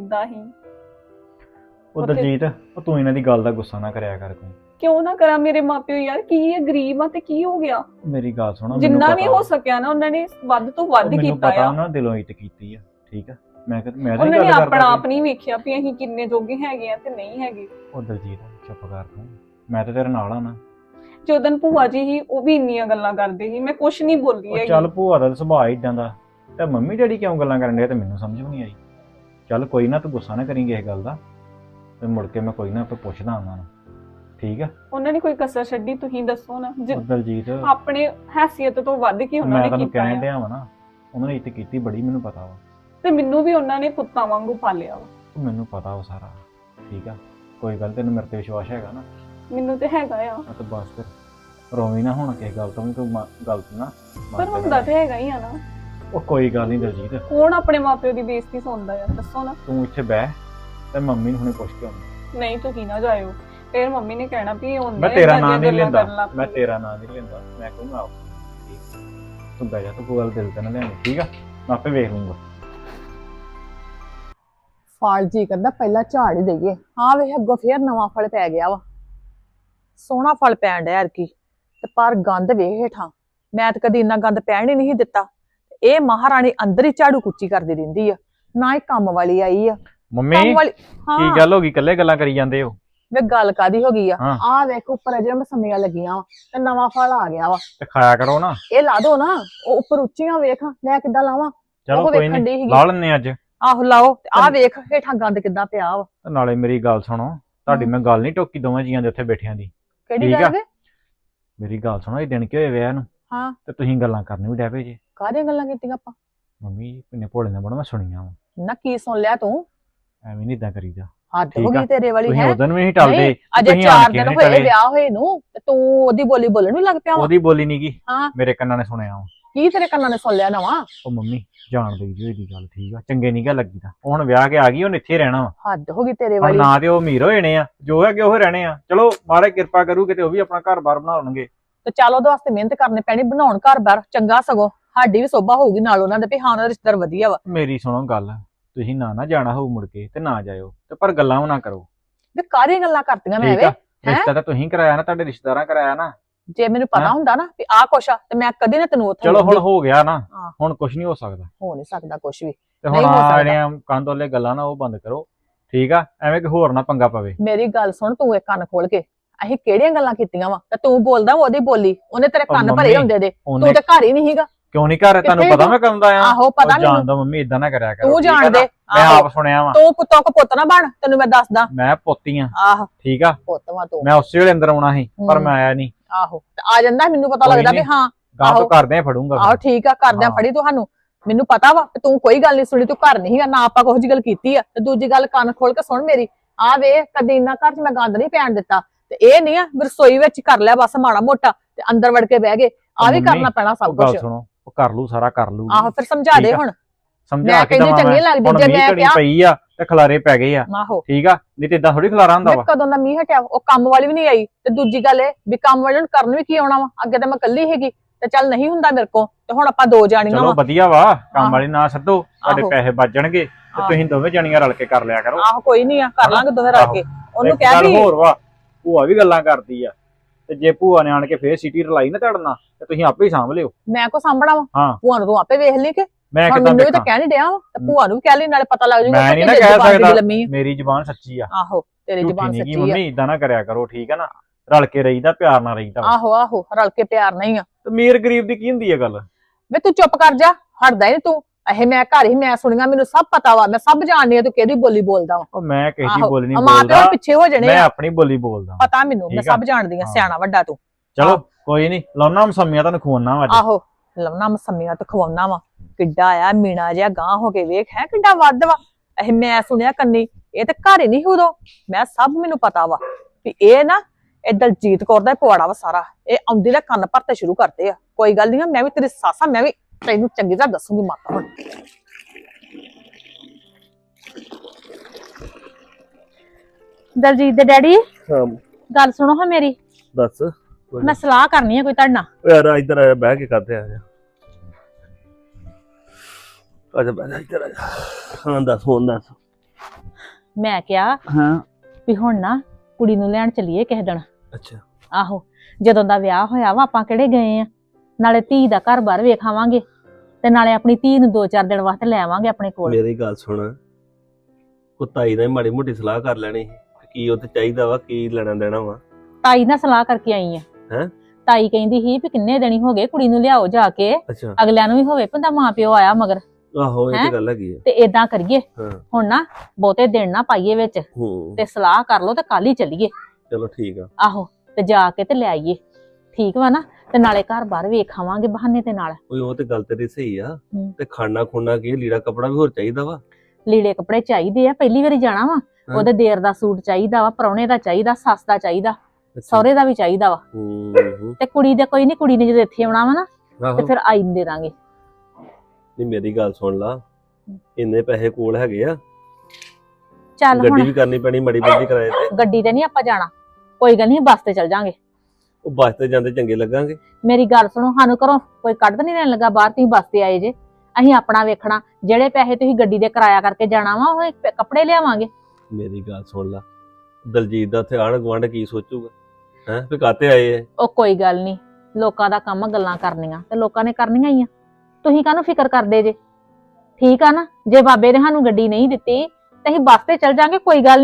Speaker 5: ਉਹ ਦਲਜੀਤ, ਉਹ ਤੂੰ ਇਹਨਾਂ ਦੀ ਗੱਲ ਦਾ ਗੁੱਸਾ ਨਾ ਕਰਿਆ ਕਰ। ਕੋਈ
Speaker 4: ਕਿਉਂ ਨਾ ਕਰਾਂ? ਮੇਰੇ ਮਾਪਿਓ ਯਾਰ ਕੀ ਹੈ, ਗਰੀਬ ਆ ਤੇ ਕੀ ਹੋ ਗਿਆ?
Speaker 5: ਮੇਰੀ ਗੱਲ ਸੁਣੋ,
Speaker 4: ਜਿੰਨਾ ਵੀ ਹੋ ਸਕਿਆ ਨਾ ਉਹਨਾਂ ਨੇ ਵੱਧ ਤੋਂ ਵੱਧ ਕੀਤਾ ਆ।
Speaker 5: ਉਹਨਾਂ ਦਿਲੋਂ ਇੱਜ਼ਤ ਕੀਤੀ ਆ, ਠੀਕ ਆ। ਮੈਂ ਤਾਂ
Speaker 4: ਉਹਨਾਂ ਨੇ ਆਪਣਾ ਆਪ ਨਹੀਂ ਵੇਖਿਆ ਵੀ ਅਸੀਂ ਕਿੰਨੇ ਜੋਗੇ ਹੈਗੇ ਆ ਤੇ ਨਹੀਂ ਹੈਗੇ।
Speaker 5: ਉਹ ਦਲਜੀਤ ਚੁੱਪ ਕਰ ਤੂੰ, ਮੈਂ ਤਾਂ ਤੇਰੇ ਨਾਲ ਆ ਨਾ।
Speaker 4: ਜਦੋਂ ਭੂਆ ਜੀ ਹੀ ਉਹ ਵੀ ਇੰਨੀਆਂ ਗੱਲਾਂ ਕਰਦੇ ਸੀ, ਮੈਂ ਕੁਛ ਨਹੀਂ ਬੋਲੀ ਹੈਗੀ।
Speaker 5: ਚੱਲ ਭੂਆ ਦਾ ਸੁਭਾਅ ਇਦਾਂ ਦਾ, ਤੇ ਮੰਮੀ ਡੈਡੀ ਕਿਉਂ ਗੱਲਾਂ ਕਰਨ ਡਏ ਤੇ ਮੈਨੂੰ ਸਮਝ ਨਹੀਂ ਆਈ। ਚੱਲ ਕੋਈ ਨਾ, ਤੂੰ ਗੁੱਸਾ ਨਾ ਕਰੀਂ ਕਿਸੇ ਗੱਲ ਦਾ, ਤੇ ਮੁੜ ਕੇ ਮੈਂ ਕੋਈ ਨਾ ਆਪੇ ਪੁੱਛਦਾ ਉਹਨਾਂ ਨੂੰ, ਠੀਕ ਆ?
Speaker 4: ਉਹਨਾਂ ਨੇ ਕੋਈ ਕਸਰ ਛੱਡੀ? ਤੁਸੀਂ ਦੱਸੋ ਨਾ।
Speaker 5: ਦਲਜੀਤ
Speaker 4: ਆਪਣੇ ਹੈਸੀਅਤ ਤੋਂ ਵੱਧ ਕੇ ਉਹਨਾਂ ਨੇ ਕੀਤਾ।
Speaker 5: ਮੈਂ ਤੁਹਾਨੂੰ ਕਹਿਣ ਡਿਆ ਵਾ ਨਾ, ਉਹਨਾਂ ਨੇ ਇੱਜ਼ਤ ਕੀਤੀ ਬੜੀ, ਮੈਨੂੰ ਪਤਾ ਵਾ।
Speaker 4: ਤੇ ਮੈਨੂੰ ਵੀ ਉਹਨਾਂ ਨੇ ਪੁੱਤਾਂ ਵਾਂਗੂ ਪਾਲਿਆ ਵਾ।
Speaker 5: ਮੈਨੂੰ ਪਤਾ ਵਾ ਸਾਰਾ, ਠੀਕ ਆ? ਕੋਈ ਗੱਲ, ਤੈਨੂੰ ਮੇਰੇ ਤੇ ਵਿਸ਼ਵਾਸ ਹੈਗਾ ਨਾ?
Speaker 4: ਮੈਨੂੰ ਤੇ ਹੈਗਾ ਆ।
Speaker 5: ਤੇ ਬਸ ਫਿਰ ਰੋਵੀ ਨਾ ਹੁਣ ਕਿਸੇ ਗੱਲ ਤੋਂ ਵੀ, ਤੂੰ ਗਲਤ ਨਾ।
Speaker 4: ਪਰ ਹੁੰਦਾ ਤੇ ਹੈਗਾ ਹੀ ਆ ਨਾ।
Speaker 5: ਉਹ ਕੋਈ ਗੱਲ ਨਹੀਂ ਦਲਜੀਤ,
Speaker 4: ਕੌਣ ਆਪਣੇ ਮਾਪਿਓ ਦੀ ਬੇਇੱਜ਼ਤੀ ਸੁਣਦਾ ਆ? ਦੱਸੋ ਨਾ।
Speaker 5: ਤੂੰ ਇੱਥੇ ਬਹਿ ਤੇ ਮੰਮੀ ਨੂੰ ਹੁਣੇ ਪੁੱਛ ਕੇ ਆਉਂਦਾ।
Speaker 4: ਨਹੀਂ ਤੁਸੀਂ ਨਾ ਜਾਇਓ, ਫਿਰ ਮੰਮੀ ਨੇ ਕਹਿਣਾ ਵੀ ਹੁੰਦਾ।
Speaker 5: ਮੈਂ ਤੇਰਾ ਨਾਂ ਨਹੀਂ ਲੈਂਦਾ, ਮੈਂ ਤੇਰਾ ਨਾਂ ਨਹੀਂ ਲੈਂਦਾ, ਮੈਂ ਕਹੂੰਗਾ ਆਪ। ਠੀਕ, ਤੂੰ ਬਹਿ ਜਾ, ਤੂੰ ਕੋਈ ਗੱਲ ਦਿਲ ਤੇ ਨਾ ਲੈਣੀ, ਠੀਕ ਆ? ਮੈਂ ਆਪੇ ਵੇਖ ਲੂੰਗਾ।
Speaker 2: ਫਲ ਜੀ ਕਰਦਾ ਪਹਿਲਾਂ ਝਾੜ ਹੀ ਦਈਏ। ਹਾਂ ਵੇਖ ਅੱਗੋਂ ਫੇਰ ਨਵਾਂ ਫਲ ਪੈ ਗਿਆ ਵਾ, ਸੋਹਣਾ ਫਲ ਪੈਣ ਡਿਆ ਐਰਕੀ, ਤੇ ਪਰ ਗੰਦ ਵੇਖ ਹੇਠਾਂ। ਮੈਂ ਤਾਂ ਕਦੀ ਇੰਨਾ ਗੰਦ ਪੈਣ ਹੀ ਨਹੀਂ ਦਿੱਤਾ। ਇਹ ਮਹਾਰਾਣੀ ਅੰਦਰ ਹੀ ਝਾੜੂ ਕੁੱਚੀ ਕਰਦੀ ਰਹਿੰਦੀ ਆ, ਨਾ ਹੀ ਕੰਮ ਵਾਲੀ ਆਈ ਆ।
Speaker 5: ਮੰਮੀ
Speaker 2: ਕੰਮ ਵਾਲੀ
Speaker 5: ਕੀ ਗੱਲ ਹੋ ਗਈ, ਇਕੱਲੇ ਗੱਲਾਂ ਕਰੀ ਜਾਂਦੇ ਹੋ?
Speaker 6: ਵੇ ਗੱਲ ਕਾਦੀ ਹੋ ਗਈ ਆ
Speaker 5: ਹਾਂ।
Speaker 6: ਆ ਵੇਖ ਉੱਪਰ ਅਜੇ ਮਸਮੀਆਂ ਲੱਗੀਆਂ ਵਾ ਤੇ ਨਵਾਂ ਫਲ ਆ ਗਿਆ ਵਾ
Speaker 5: ਤੇ ਖਾਇਆ ਕਰੋ ਨਾ।
Speaker 6: ਇਹ ਲਾ ਦੋ ਨਾ ਉਹ ਉੱਪਰ ਉੱਚੀਆਂ ਵੇਖ ਮੈਂ ਕਿੱਦਾਂ ਲਾਵਾਂ
Speaker 5: ਚਲੋ
Speaker 6: ਉਹ
Speaker 5: ਕੋਈ
Speaker 6: ਵੇਖਣ ਡਈ
Speaker 5: ਨਹੀਂ
Speaker 6: ਸੀਗੀ।
Speaker 5: ਲਾ ਲੈਣੇ ਅੱਜ।
Speaker 6: ਆਹੋ ਲਾਓ ਤੇ ਆ ਵੇਖ ਹੇਠਾਂ ਗੰਦ ਕਿੱਦਾਂ ਪਿਆ ਵਾ
Speaker 5: ਤੇ ਨਾਲੇ ਮੇਰੀ ਗੱਲ ਸੁਣੋ, ਤੁਹਾਡੀ ਮੈਂ ਗੱਲ ਨਹੀਂ ਟੋਕੀ ਦੋਵਾਂ ਜੀਆਂ ਦੇ ਉੱਥੇ ਬੈਠਿਆਂ ਦੀ।
Speaker 6: ਕਿਹੜੀ
Speaker 5: ਠੀਕ
Speaker 6: ਗੱਲ
Speaker 5: ਆ।
Speaker 6: ਵੇ
Speaker 5: ਮੇਰੀ ਗੱਲ ਸੁਣੋ, ਇਹ ਦਿਨ ਕਿ ਹੋਏ ਵਿਆਹ ਨੂੰ
Speaker 6: ਹਾਂ
Speaker 5: ਤੇ ਤੁਸੀਂ ਗੱਲਾਂ ਕਰਨੀ ਵੀ ਡੈ ਪਏ ਜੇ।
Speaker 6: ਕਾਹਦੀਆਂ ਗੱਲਾਂ ਕੀਤੀਆਂ ਆਪਾਂ
Speaker 5: ਮੰਮੀ ਕਿੰਨੇ ਭੋਲੇ ਨੇ ਬਣਾ, ਮੈਂ ਸੁਣੀਆਂ ਵਾ।
Speaker 6: ਨਾ ਕੀ ਸੁਣ ਲਿਆ ਤੂੰ
Speaker 5: ਐਵੇਂ ਨਹੀਂ ਇਦਾਂ ਕਰੀਦਾ।
Speaker 6: ਹੱਦ
Speaker 5: ਠੀਕ
Speaker 6: ਹੋ
Speaker 5: ਆ।
Speaker 6: ਗਈ ਤੇਰੇ ਵਾਲੀ
Speaker 5: ਤੁਸੀਂ
Speaker 6: ਹੈ
Speaker 5: ਉਦੋਂ ਵੀ ਨਹੀਂ ਟਲਦੇ।
Speaker 6: ਨਹੀਂ, ਅਜੇ
Speaker 5: ਤੁਸੀਂ
Speaker 6: 4
Speaker 5: ਆਣ ਕੇ
Speaker 6: ਦਿਨ
Speaker 5: ਨੀ
Speaker 6: ਹੋਏ
Speaker 5: ਟਲੇ।
Speaker 6: ਵਿਆਹ ਹੋਏ ਨੂੰ ਤੇ ਤੂੰ ਉਹਦੀ ਬੋਲੀ ਬੋਲਣ ਵੀ ਲੱਗ ਪਿਆ ਵਾ
Speaker 5: ਉਹਦੀ ਬੋਲੀ ਨਹੀਂ ਗਈ,
Speaker 6: ਹਾਂ
Speaker 5: ਮੇਰੇ ਕੰਨਾਂ ਨੇ ਸੁਣਿਆ ਵਾ।
Speaker 6: ਕੀ ਤੇਰੇ ਕੰਨਾਂ ਨੇ ਸੁਣ ਲਿਆ ਨਵਾਂ
Speaker 5: ਉਹ ਮੰਮੀ ਜਾਣ ਦੇਈ ਜੀ ਇਹਦੀ ਗੱਲ, ਠੀਕ ਆ, ਚੰਗੇ ਨਹੀਂ ਗਾ ਲੱਗੀਦਾ। ਉਹ ਹੁਣ ਵਿਆਹ ਕੇ ਆ ਗਈ, ਉਹਨੇ ਇੱਥੇ ਰਹਿਣਾ ਵਾ।
Speaker 6: ਹੱਦ ਹੋ ਗਈ ਤੇਰੇ
Speaker 5: ਹੁਣ
Speaker 6: ਵਾਲੀ
Speaker 5: ਨਾ ਤੇ ਉਹ ਅਮੀਰ ਹੋਏ ਨੇ ਆ, ਜੋ ਹੈਗੇ ਉਹ ਰਹਿਣੇ ਆ। ਚਲੋ ਮਹਾਰਾਜ ਕਿਰਪਾ ਕਰੂ ਕਿਤੇ ਉਹ ਵੀ ਆਪਣਾ ਘਰ-ਬਾਰ ਬਣਾ ਲਣਗੇ।
Speaker 6: ਤੇ ਚੱਲ ਉਹਦੇ ਵਾਸਤੇ ਮਿਹਨਤ ਕਰਨੀ ਪੈਣੀ, ਬਣਾਉਣ ਘਰ-ਬਾਰ ਚੰਗਾ, ਸਗੋਂ ਸਾਡੀ ਵੀ ਸੋਭਾ ਹੋਊਗੀ ਨਾਲ ਉਹਨਾਂ ਦੇ ਵੀ ਹਾਂ ਉਹਨਾਂ ਦਾ ਰਿਸ਼ਤੇਦਾਰ ਵਧੀਆ ਵਾ।
Speaker 5: ਮੇਰੀ ਸੁਣੋ ਗੱਲ, ਤੁਸੀਂ ਨਾ ਜਾਣਾ ਹੋਊ ਮੁੜ ਕੇ ਤੇ ਨਾ ਜਾਇਓ, ਤੇ ਪਰ ਗੱਲਾਂ ਵੀ ਨਾ ਕਰੋ।
Speaker 6: ਤੇ ਕਾਹਦੀਆਂ ਗੱਲਾਂ ਕਰਤੀਆਂ ਮੈਂ
Speaker 5: ਠੀਕ
Speaker 6: ਵੇ
Speaker 5: ਆ। ਰਿਸ਼ਤਾ ਤਾਂ ਤੁਸੀਂ ਕਰਾਇਆ ਨਾ, ਤੁਹਾਡੇ ਰਿਸ਼ਤੇਦਾਰਾਂ ਕਰਾਇਆ ਨਾ।
Speaker 6: ਜੇ ਮੈਨੂੰ ਪਤਾ
Speaker 5: ਹੈਂ?
Speaker 6: ਹੁੰਦਾ ਨਾ ਵੀ ਆਹ ਕੁਛ ਆ ਤੇ ਮੈਂ ਕਦੇ ਨਾ ਤੈਨੂੰ ਉੱਥੇ
Speaker 5: ਚਲੋ ਹੁਣ
Speaker 6: ਮਿਲਦੀ।
Speaker 5: ਹੋ ਗਿਆ ਨਾ,
Speaker 6: ਹਾਂ।
Speaker 5: ਹੁਣ ਕੁਝ ਨਹੀਂ ਹੋ ਸਕਦਾ।
Speaker 6: ਹੋ ਨਹੀਂ ਸਕਦਾ ਕੁਛ ਵੀ
Speaker 5: ਤੇ
Speaker 6: ਨਹੀਂ
Speaker 5: ਹੁਣ
Speaker 6: ਹੋ
Speaker 5: ਆ
Speaker 6: ਸਕਦਾ।
Speaker 5: ਜਿਹੜੀਆਂ ਕੰਧ ਵਾਲੇ ਗੱਲਾਂ ਨਾ ਉਹ ਬੰਦ ਕਰੋ, ਠੀਕ ਆ। ਐਵੇਂ ਕਿ ਹੋਰ ਨਾ ਪੰਗਾ ਪਵੇ।
Speaker 6: ਮੇਰੀ ਗੱਲ ਸੁਣ ਤੂੰ ਇਹ ਕੰਨ ਖੋਲ ਕੇ, ਅਸੀਂ ਕਿਹੜੀਆਂ ਗੱਲਾਂ ਕੀਤੀਆਂ ਵਾ ਤੇ ਤੂੰ ਬੋਲਦਾ ਵਾ ਉਹਦੀ ਬੋਲੀ, ਉਹਨੇ ਤੇਰੇ
Speaker 5: ਉਹ
Speaker 6: ਕੰਨ ਭਰੇ
Speaker 5: ਮੰਮੀ,
Speaker 6: ਹੁੰਦੇ ਦੇ,
Speaker 5: ਉਹਨੇ
Speaker 6: ਤੂੰ ਤੇ ਘਰ ਹੀ ਨਹੀਂ ਸੀਗਾ।
Speaker 5: ਕਿਉਂ ਨਹੀਂ ਘਰ, ਤੁਹਾਨੂੰ
Speaker 6: ਕਿੱਥੇ
Speaker 5: ਪਤਾ
Speaker 6: ਤੂੰ?
Speaker 5: ਮੈਂ ਕਦੋਂ ਦਾ ਆਇਆ।
Speaker 6: ਆਹੋ ਪਤਾ
Speaker 5: ਉਹ ਜਾਣ
Speaker 6: ਮੈਨੂੰ,
Speaker 5: ਦੋ ਮੰਮੀ, ਇਦਾਂ ਨਾ ਕਰਿਆ ਕਰੋ।
Speaker 6: ਤੂੰ
Speaker 5: ਠੀਕ ਆ
Speaker 6: ਜਾਣ
Speaker 5: ਨਾ?
Speaker 6: ਦੇ।
Speaker 5: ਮੈਂ
Speaker 6: ਆਹੋ,
Speaker 5: ਆਪ ਸੁਣਿਆ ਵਾ।
Speaker 6: ਤੂੰ ਪੁੱਤੋਂ ਕੋ ਪੁੱਤ ਨਾ ਬਣ, ਤੈਨੂੰ ਮੈਂ ਦੱਸਦਾ।
Speaker 5: ਮੈਂ ਪੋਤੀਆਂ,
Speaker 6: ਆਹ
Speaker 5: ਠੀਕ ਆ।
Speaker 6: ਪੁੱਤ ਵਾ ਤੂੰ।
Speaker 5: ਮੈਂ ਉਸੇ ਵੇਲੇ ਅੰਦਰ ਆਉਣਾ ਸੀ, ਪਰ
Speaker 6: ਹੂੰ।
Speaker 5: ਮੈਂ ਆਇਆ ਨਹੀਂ।
Speaker 6: ਆਹੋ ਤੇ ਆ ਜਾਂਦਾ, ਮੈਨੂੰ ਪਤਾ
Speaker 5: ਕੋਈ
Speaker 6: ਲੱਗਦਾ ਵੀ
Speaker 5: ਨੀ।
Speaker 6: ਹਾਂ
Speaker 5: ਗਾਂ ਤੋਂ
Speaker 6: ਆਹੋ।
Speaker 5: ਕਰਦੇ ਆ ਫੜੂੰਗਾ
Speaker 6: ਆਹੋ ਠੀਕ ਆ, ਕਰਦਿਆਂ
Speaker 5: ਹਾਂ।
Speaker 6: ਫੜੀ ਤੁਹਾਨੂੰ। ਮੈਨੂੰ ਪਤਾ ਵਾ ਤੇ ਤੂੰ ਕੋਈ ਗੱਲ ਨਹੀਂ ਸੁਣੀ, ਤੂੰ ਘਰ ਨਹੀਂ ਸੀਗਾ ਨਾ, ਆਪਾਂ ਕੋਈ ਜਿਹੀ ਗੱਲ ਕੀਤੀ ਆ। ਤੇ ਦੂਜੀ ਗੱਲ ਕੰਨ ਖੋਲ ਕੇ ਸੁਣ ਮੇਰੀ, ਆ ਵੇ ਕਦੇ ਇੰਨਾ ਘਰ 'ਚ ਮੈਂ ਗੰਦ ਨਹੀਂ ਪੈਣ ਦਿੱਤਾ। ਤੇ ਇਹ ਨਹੀਂ ਆ ਵੀ ਰਸੋਈ ਵਿੱਚ ਕਰ ਲਿਆ ਬਸ ਮਾੜਾ ਮੋਟਾ ਤੇ ਅੰਦਰ ਵੜ ਕੇ ਬਹਿ ਗਏ, ਆ ਵੀ
Speaker 5: ਮੰਮੀ,
Speaker 6: ਕਰਨਾ ਪੈਣਾ
Speaker 5: ਉਹ
Speaker 6: ਸਭ
Speaker 5: ਗੱਲ
Speaker 6: ਕੁਝ।
Speaker 5: ਸੁਣੋ, ਉਹ ਕਰ ਲੂ ਸਾਰਾ ਕਰ ਲੂ।
Speaker 6: ਆਹੋ ਫਿਰ ਸਮਝਾ ਦੇ
Speaker 5: ਠੀਕ ਆ।
Speaker 6: ਹੁਣ।
Speaker 5: ਸਮਝਾ
Speaker 6: ਮੈਂ
Speaker 5: ਕੇ
Speaker 6: ਕਹਿੰਦੀ
Speaker 5: ਦਵਾਂ
Speaker 6: ਚੰਗੀ ਲੱਗਦੀ
Speaker 5: ਹੁਣ
Speaker 6: ਜੇ
Speaker 5: ਮੀਂਹ
Speaker 6: ਮੈਂ
Speaker 5: ਘੜੀ
Speaker 6: ਕਿਹਾ।
Speaker 5: ਪਈ ਆ ਤੇ ਖਲਾਰੇ ਪੈ ਗਏ ਆ,
Speaker 6: ਆਹੋ
Speaker 5: ਠੀਕ ਆ। ਨਹੀਂ ਤੇ ਇਦਾਂ ਥੋੜੀ ਖਲਾਰਾ ਹੁੰਦਾ ਵਾ।
Speaker 6: ਕਦੋਂ ਦਾ ਮੀਂਹ ਹਟਿਆ, ਉਹ ਕੰਮ ਵਾਲੀ ਵੀ ਨਹੀਂ ਆਈ। ਤੇ ਦੂਜੀ ਗੱਲ ਇਹ ਵੀ ਕੰਮ ਵਾਲੇ ਨੂੰ ਕਰਨ ਵੀ ਕੀ ਆਉਣਾ ਵਾ, ਅੱਗੇ ਤਾਂ ਮੈਂ ਇਕੱਲੀ ਹੈਗੀ ਤੇ ਚੱਲ ਨਹੀਂ ਹੁੰਦਾ ਮੇਰੇ ਕੋ, ਤੇ ਹੁਣ ਆਪਾਂ 2 ਜਾਣੀਆਂ
Speaker 5: ਚਲੋ
Speaker 6: ਵਾ।
Speaker 5: ਵਧੀਆ ਵਾ, ਕੰਮ
Speaker 6: ਆਹੋ।
Speaker 5: ਵਾਲੀ ਨਾ ਸੱਦੋ, ਤੁਹਾਡੇ
Speaker 6: ਆਹੋ।
Speaker 5: ਪੈਸੇ ਬਚ ਜਾਣਗੇ ਤੇ ਤੁਸੀਂ ਦੋਵੇਂ ਜਣੀਆਂ ਰਲ ਕੇ ਕਰ ਲਿਆ ਕਰੋ।
Speaker 6: ਆਹੋ ਕੋਈ ਨਹੀਂ ਆ, ਕਰ ਲਾਂਗੇ ਦੋਵੇਂ ਰਲ ਕੇ। ਉਹਨੂੰ
Speaker 5: ਇੱਕ
Speaker 6: ਕਹਿ
Speaker 5: ਗੱਲ
Speaker 6: ਵੀ
Speaker 5: ਹੋਰ ਵਾ, ਭੂਆ ਵੀ ਗੱਲਾਂ ਕਰਦੀ ਆ, ਤੇ ਜੇ ਭੂਆ ਨੇ ਆਣ ਕੇ ਫੇਰ ਸਿਟੀ ਰਲਾਈ ਨਾ ਤੜਨਾ ਤੇ ਤੁਸੀਂ ਆਪੇ ਹੀ ਸਾਂਭ ਲਿਓ।
Speaker 6: ਮੈਂ ਕੋ ਸਾਂਭਣਾ ਵਾ,
Speaker 5: ਹਾਂ।
Speaker 6: ਭੂਆ ਨੂੰ ਤੂੰ ਆਪੇ ਵੇਖ ਲਈ ਕਿ
Speaker 5: ਮੈਂ
Speaker 6: ਹੁਣ
Speaker 5: ਕਿਦਾਂ
Speaker 6: ਮੈਨੂੰ ਵੀ ਤਾਂ
Speaker 5: ਦੇਖਾਂ,
Speaker 6: ਕਹਿ ਨਹੀਂ ਡਿਆ ਵਾ, ਤੇ ਭੂਆ ਨੂੰ ਵੀ ਕਹਿ ਲਈ, ਨਾਲੇ ਪਤਾ ਲੱਗ ਜਾਊਗਾ
Speaker 5: ਮੈਂ
Speaker 6: ਕਿ
Speaker 5: ਨਹੀਂ ਨਾ
Speaker 6: ਤੇਰੀ
Speaker 5: ਕਹਿ
Speaker 6: ਜ਼ੁਬਾਨ
Speaker 5: ਸਕਦਾ।
Speaker 6: ਕਿੰਨੀ ਲੰਮੀ ਆ।
Speaker 5: ਮੇਰੀ ਜ਼ੁਬਾਨ ਸੱਚੀ ਆ,
Speaker 6: ਆਹੋ ਤੇਰੀ
Speaker 5: ਝੂਠੀ
Speaker 6: ਜ਼ੁਬਾਨ
Speaker 5: ਨਹੀਂ ਗੀ।
Speaker 6: ਸੱਚੀ ਆ।
Speaker 5: ਮੰਮੀ ਇਦਾਂ ਨਾ ਕਰਿਆ ਕਰੋ, ਠੀਕ ਆ ਨਾ। ਰਲ ਕੇ ਰਹੀਦਾ, ਪਿਆਰ ਨਾਲ ਰਹੀਦਾ ਵਾ।
Speaker 6: ਆਹੋ ਆਹੋ ਰਲ ਕੇ ਪਿਆਰ ਨਹੀਂ ਆ।
Speaker 5: ਤੇ ਅਮੀਰ ਗਰੀਬ ਦੀ ਕੀ ਹੁੰਦੀ ਆ ਗੱਲ।
Speaker 6: ਵੇ ਤੂੰ ਚੁੱਪ ਕਰ ਜਾ, ਹਟਦਾ ਹੀ ਨੀ ਤੂੰ। ਇਹ ਮੈਂ ਘਰ ਹੀ ਮੈਂ ਸੁਣੀਆਂ, ਮੈਨੂੰ ਸਭ ਪਤਾ ਵਾ, ਮੈਂ ਸਭ ਜਾਣਦੀ ਆ ਤੂੰ ਕਿਹੜੀ ਬੋਲੀ ਬੋਲਦਾ ਵਾ।
Speaker 5: ਉਹ ਮੈਂ ਕਿਸੇ ਦੀ
Speaker 6: ਆਹੋ,
Speaker 5: ਬੋਲੀ ਨਹੀਂ
Speaker 6: ਮਾਂ ਪਿਓ
Speaker 5: ਬੋਲਦਾ,
Speaker 6: ਪਿੱਛੇ ਹੋ ਜਾਣੇ
Speaker 5: ਮੈਂ
Speaker 6: ਆ,
Speaker 5: ਆਪਣੀ ਬੋਲੀ ਬੋਲਦਾ।
Speaker 6: ਪਤਾ ਮੈਨੂੰ, ਮੈਂ
Speaker 5: ਠੀਕ ਆ।
Speaker 6: ਸਭ ਜਾਣਦੀ ਆ,
Speaker 5: ਹਾਂ।
Speaker 6: ਸਿਆਣਾ ਵੱਡਾ ਤੂੰ।
Speaker 5: ਚਲੋ ਕੋਈ ਨਹੀਂ, ਲਾਉਣਾ ਮਸਮੀਆਂ ਤੁਹਾਨੂੰ ਖਵਾਉਣਾ ਵਾ ਅੱਜ।
Speaker 6: ਆਹੋ ਲਵਣਾ ਮਸਮੀਆਂ ਤੇ ਖਵਾਉਣਾ ਵਾ। ਕਿੱਡਾ ਆ ਮੀਣਾ ਜਿਹਾ ਗਾਂ ਹੋ ਕੇ ਵੇਖ, ਹੈ ਕਿੱਡਾ ਵੱਧ ਵਾ। ਇਹ ਮੈਂ ਸੁਣਿਆ ਕੰਨੀ, ਇਹ ਤੇ ਘਰ ਹੀ ਨਹੀਂ ਉਦੋਂ। ਮੈਂ ਸਭ ਮੈਨੂੰ ਪਤਾ ਵਾ ਵੀ ਇਹ ਨਾ, ਇਹ ਦਲਜੀਤ ਕੌਰ ਦਾ ਪਵਾੜਾ ਵਾ ਸਾਰਾ। ਇਹ ਆਉਂਦੀ ਦਾ ਕੰਨ ਭਰਤੇ ਸ਼ੁਰੂ ਕਰਦੇ ਆ। ਕੋਈ ਗੱਲ ਨਹੀਂ, ਮੈਂ ਵੀ ਤੇਰੀ ਸੱਸ ਆ, ਮੈਂ ਵੀ ਤੈਨੂੰ ਚੰਗੀ ਤਰ੍ਹਾਂ ਦੱਸੂਗੀ ਮਾਤਾ ਹੁਣ।
Speaker 2: ਦਲਜੀਤ ਦੇ ਡੈਡੀ,
Speaker 1: ਹਾਂ
Speaker 2: ਗੱਲ ਸੁਣੋ ਹਾਂ ਮੇਰੀ।
Speaker 1: ਦੱਸ।
Speaker 2: ਮੈਂ ਸਲਾਹ ਕਰਨੀ ਹੈ ਕੋਈ ਤੁਹਾਡੇ ਨਾਲ।
Speaker 1: ਓ ਯਾਰ ਇੱਧਰ ਆ ਜਾ, ਬਹਿ ਕੇ ਕਰਦੇ ਆ ਜਾ। ਆ ਜਾ ਬਹਿ ਜਾ ਇੱਧਰ ਆ ਜਾ। ਹਾਂ ਦੱਸ, ਹੁਣ ਦੱਸ।
Speaker 2: ਮੈਂ ਕਿਹਾ
Speaker 1: ਹਾਂ।
Speaker 2: ਵੀ ਹੁਣ ਨਾ ਕੁੜੀ ਨੂੰ ਲੈਣ ਚੱਲੀਏ ਕਿਸੇ ਦਿਨ।
Speaker 1: ਅੱਛਾ।
Speaker 2: ਆਹੋ ਜਦੋਂ ਦਾ ਵਿਆਹ ਹੋਇਆ ਵਾ ਆਪਾਂ ਕਿਹੜੇ ਗਏ ਆ, ਨਾਲੇ ਧੀ ਦਾ ਘਰ-ਬਾਰ ਵੇਖਾਵਾਂਗੇ ਤੇ ਨਾਲੇ ਆਪਣੀ ਧੀ ਨੂੰ 2-4 ਦਿਨ ਵਾਸਤੇ ਲੈ ਆਵਾਂਗੇ ਆਪਣੇ ਕੋਲ।
Speaker 1: ਮੇਰੀ ਗੱਲ ਸੁਣ, ਕੋ ਤਾਈ ਨਾਲ ਮਾੜੀ ਮੋਟੀ ਸਲਾਹ ਕਰ ਲੈਣੀ ਸੀ, ਕੀ ਉਹ ਤੇ ਚਾਹੀਦਾ ਵਾ, ਕੀ ਲੈਣਾ ਦੇਣਾ ਵਾ।
Speaker 2: ਤਾਈ ਨਾਲ ਸਲਾਹ ਕਰਕੇ ਆਈ ਆ।
Speaker 1: ਹੈਂ?
Speaker 2: ਤਾਈ ਕਹਿੰਦੀ ਸੀ ਵੀ ਕਿੰਨੇ ਦਿਨ ਹੀ ਹੋ ਗਏ, ਕੁੜੀ ਨੂੰ ਲਿਆਓ ਜਾ ਕੇ,
Speaker 1: ਅੱਛਾ।
Speaker 2: ਅਗਲਿਆਂ ਨੂੰ ਵੀ ਹੋਵੇ ਪੰਦਾ ਮਾਂ ਪਿਓ ਆਇਆ ਮਗਰ।
Speaker 1: ਆਹੋ ਇਹ
Speaker 2: ਹੈਂ?
Speaker 1: ਤੇ ਗੱਲ ਹੈਗੀ ਆ।
Speaker 2: ਤੇ ਏਦਾਂ ਕਰੀਏ,
Speaker 1: ਹਾਂ।
Speaker 2: ਹੁਣ ਨਾ ਬਹੁਤੇ ਦਿਨ ਨਾ ਪਾਈਏ ਵਿੱਚ,
Speaker 1: ਹੂੰ
Speaker 2: ਤੇ ਸਲਾਹ ਕਰ ਲਓ ਤੇ ਕੱਲ ਹੀ ਚੱਲੀਏ।
Speaker 1: ਚਲੋ ਠੀਕ ਆ।
Speaker 2: ਆਹੋ ਤੇ ਜਾ ਕੇ ਤੇ ਲੈ ਆਈਏ, ਠੀਕ ਵਾ ਨਾ। ਤੇ ਨਾਲੇ ਘਰ-ਬਾਰ ਵੇਖਾਵਾਂਗੇ ਬਹਾਨੇ ਤੇ ਨਾਲ।
Speaker 1: ਓਏ ਉਹ ਤੇ ਗੱਲ ਤੇਰੀ ਸਹੀ ਆ,
Speaker 2: ਹੂੰ।
Speaker 1: ਤੇ ਖਾਣਾ ਖੁਣਾ ਕੀ, ਲੀੜਾ ਕੱਪੜਾ ਵੀ ਹੋਰ ਚਾਹੀਦਾ ਵਾ।
Speaker 2: ਲੀੜੇ ਕੱਪੜੇ ਚਾਹੀਦੇ ਆ, ਪਹਿਲੀ ਵਾਰੀ ਜਾਣਾ ਵਾ। ਉਹਦੇ ਦੇਰ ਦਾ ਸੂਟ ਚਾਹੀਦਾ ਵਾ, ਪ੍ਰਾਹੁਣੇ ਦਾ ਚਾਹੀਦਾ, ਸੱਸ ਦਾ ਚਾਹੀਦਾ, ਸਹੁਰੇ ਦਾ ਵੀ ਚਾਹੀਦਾ ਵਾ।
Speaker 1: ਹੂੰ।
Speaker 2: ਤੇ ਕੁੜੀ ਦੇ ਕੋਈ ਨਹੀਂ, ਕੁੜੀ ਨੇ ਜਦੋਂ ਇੱਥੇ ਆਉਣਾ ਵਾ ਨਾ ਤੇ
Speaker 1: ਆਹੋ
Speaker 2: ਫਿਰ ਆਈ ਦੇ ਦਾਂਗੇ।
Speaker 1: ਨਹੀਂ ਮੇਰੀ ਗੱਲ ਸੁਣ ਲਾ, ਇੰਨੇ ਪੈਸੇ ਕੋਲ ਹੈਗੇ ਆ,
Speaker 2: ਚੱਲ
Speaker 1: ਗੱਡੀ
Speaker 2: ਹੁਣ
Speaker 1: ਵੀ ਕਰਨੀ ਪੈਣੀ ਮੜੀ ਮੋਟੀ ਕਿਰਾਏ ਤੇ।
Speaker 2: ਗੱਡੀ ਤੇ ਨਹੀਂ ਆਪਾਂ ਜਾਣਾ, ਕੋਈ ਗੱਲ ਨਹੀਂ, ਬੱਸ ਤੇ ਚੱਲ ਜਾਾਂਗੇ।
Speaker 1: ਉਹ ਬੱਸ ਤੇ ਜਾਂਦੇ ਚੰਗੇ ਲੱਗਾਂਗੇ।
Speaker 2: ਮੇਰੀ ਗੱਲ ਸੁਣੋ, ਸਾਨੂੰ ਘਰੋਂ ਕੋਈ ਕੱਢ ਤਾਂ ਨਹੀਂ ਲੈਣ ਲੱਗਾ ਬਾਹਰ, ਤੁਸੀਂ ਬੱਸ ਤੇ ਆਏ ਜੇ। ਅਸੀਂ ਆਪਣਾ ਵੇਖਣਾ, ਜਿਹੜੇ ਪੈਸੇ ਤੁਸੀਂ ਗੱਡੀ ਦੇ ਕਿਰਾਇਆ ਕਰਕੇ ਜਾਣਾ ਵਾ ਉਹ ਕੱਪੜੇ ਲਿਆਵਾਂਗੇ।
Speaker 1: ਮੇਰੀ ਗੱਲ ਸੁਣ ਲਾ, ਦਲਜੀਤ ਦਾ ਉੱਥੇ ਆਂਢ ਗੁਆਂਢ ਕੀ ਸੋਚੂਗਾ, ਹੈ ਵੀ ਕਾਤੇ ਆਏ ਆ।
Speaker 2: ਉਹ ਕੋਈ ਗੱਲ ਨਹੀਂ, ਲੋਕਾਂ ਦਾ ਕੰਮ ਆ ਗੱਲਾਂ ਕਰਨੀਆਂ, ਤੇ ਲੋਕਾਂ ਨੇ ਕਰਨੀਆਂ ਹੀ ਆ। ਤੁਸੀਂ ਕਾਹਨੂੰ ਫਿਕਰ ਕਰਦੇ ਜੇ, ਠੀਕ ਆ ਨਾ। ਜੇ ਬਾਬੇ ਨੇ ਸਾਨੂੰ ਗੱਡੀ ਨਹੀਂ ਦਿੱਤੀ ਤੇ ਅਸੀਂ ਬੱਸ ਤੇ ਚੱਲ ਜਾਾਂਗੇ, ਕੋਈ ਗੱਲ ਨਹੀਂ।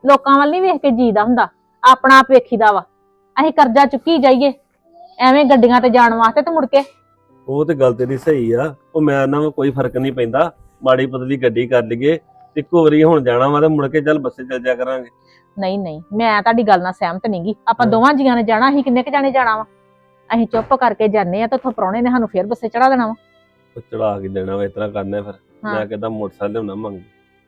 Speaker 2: ਲੋਕਾਂ ਵੱਲ ਨਹੀਂ ਵੇਖ ਕੇ ਜੀਦਾ ਹੁੰਦਾ, ਆਪਣਾ ਆਪ ਵੇਖੀਦਾ ਵਾ। ਅਸੀਂ ਕਰਜ਼ਾ ਚੁੱਕੀ ਜਾਈਏ ਐਵੇਂ ਗੱਡੀਆਂ ਤੇ ਜਾਣ ਵਾਸਤੇ ਤੇ ਮੁੜ ਕੇ
Speaker 1: ਉਹ ਤੇ ਗੱਲ ਤੇਰੀ ਸਹੀ ਆ, ਉਹ ਮੈਂ ਨਾ ਕੋਈ ਫਰਕ ਨਹੀਂ ਪੈਂਦਾ, ਮਾੜੀ ਪਤਲੀ ਗੱਡੀ ਕਰ ਲਈਏ, ਇੱਕੋ ਵਾਰੀ ਹੁਣ ਜਾਣਾ ਵਾ ਤੇ ਮੁੜ ਕੇ ਚੱਲ ਬੱਸੇ ਚੱਲ ਜਾ ਕਰਾਂਗੇ।
Speaker 2: ਨਹੀਂ ਨਹੀਂ, ਮੈਂ ਤੁਹਾਡੀ ਗੱਲ ਨਾਲ ਸਹਿਮਤ ਨਹੀਂਗੀ। ਆਪਾਂ
Speaker 1: ਹਾਂ।
Speaker 2: ਦੋਵਾਂ ਜੀਆਂ ਨੇ ਜਾਣਾ, ਅਸੀਂ ਕਿੰਨੇ ਕ ਜਾਣੇ ਜਾਣਾ ਵਾ? ਅਸੀਂ ਚੁੱਪ ਕਰਕੇ ਜਾਂਦੇ ਆ ਤੇ ਉੱਥੋਂ ਪ੍ਰਾਹੁਣੇ ਨੇ ਸਾਨੂੰ ਫੇਰ ਬੱਸੇ ਚੜਾ ਦੇਣਾ ਵਾ।
Speaker 1: ਉਹ ਚੜਾ ਕੇ ਦੇਣਾ ਵਾ, ਇਸ ਤਰ੍ਹਾਂ ਕਰਨਾ ਫਿਰ।
Speaker 2: ਹਾਂ।
Speaker 1: ਮੈਂ ਕਹਿੰਦਾ ਮੋਟਰਸਾਈਕਲ ਲਿਆਉਣਾ ਮੰਗ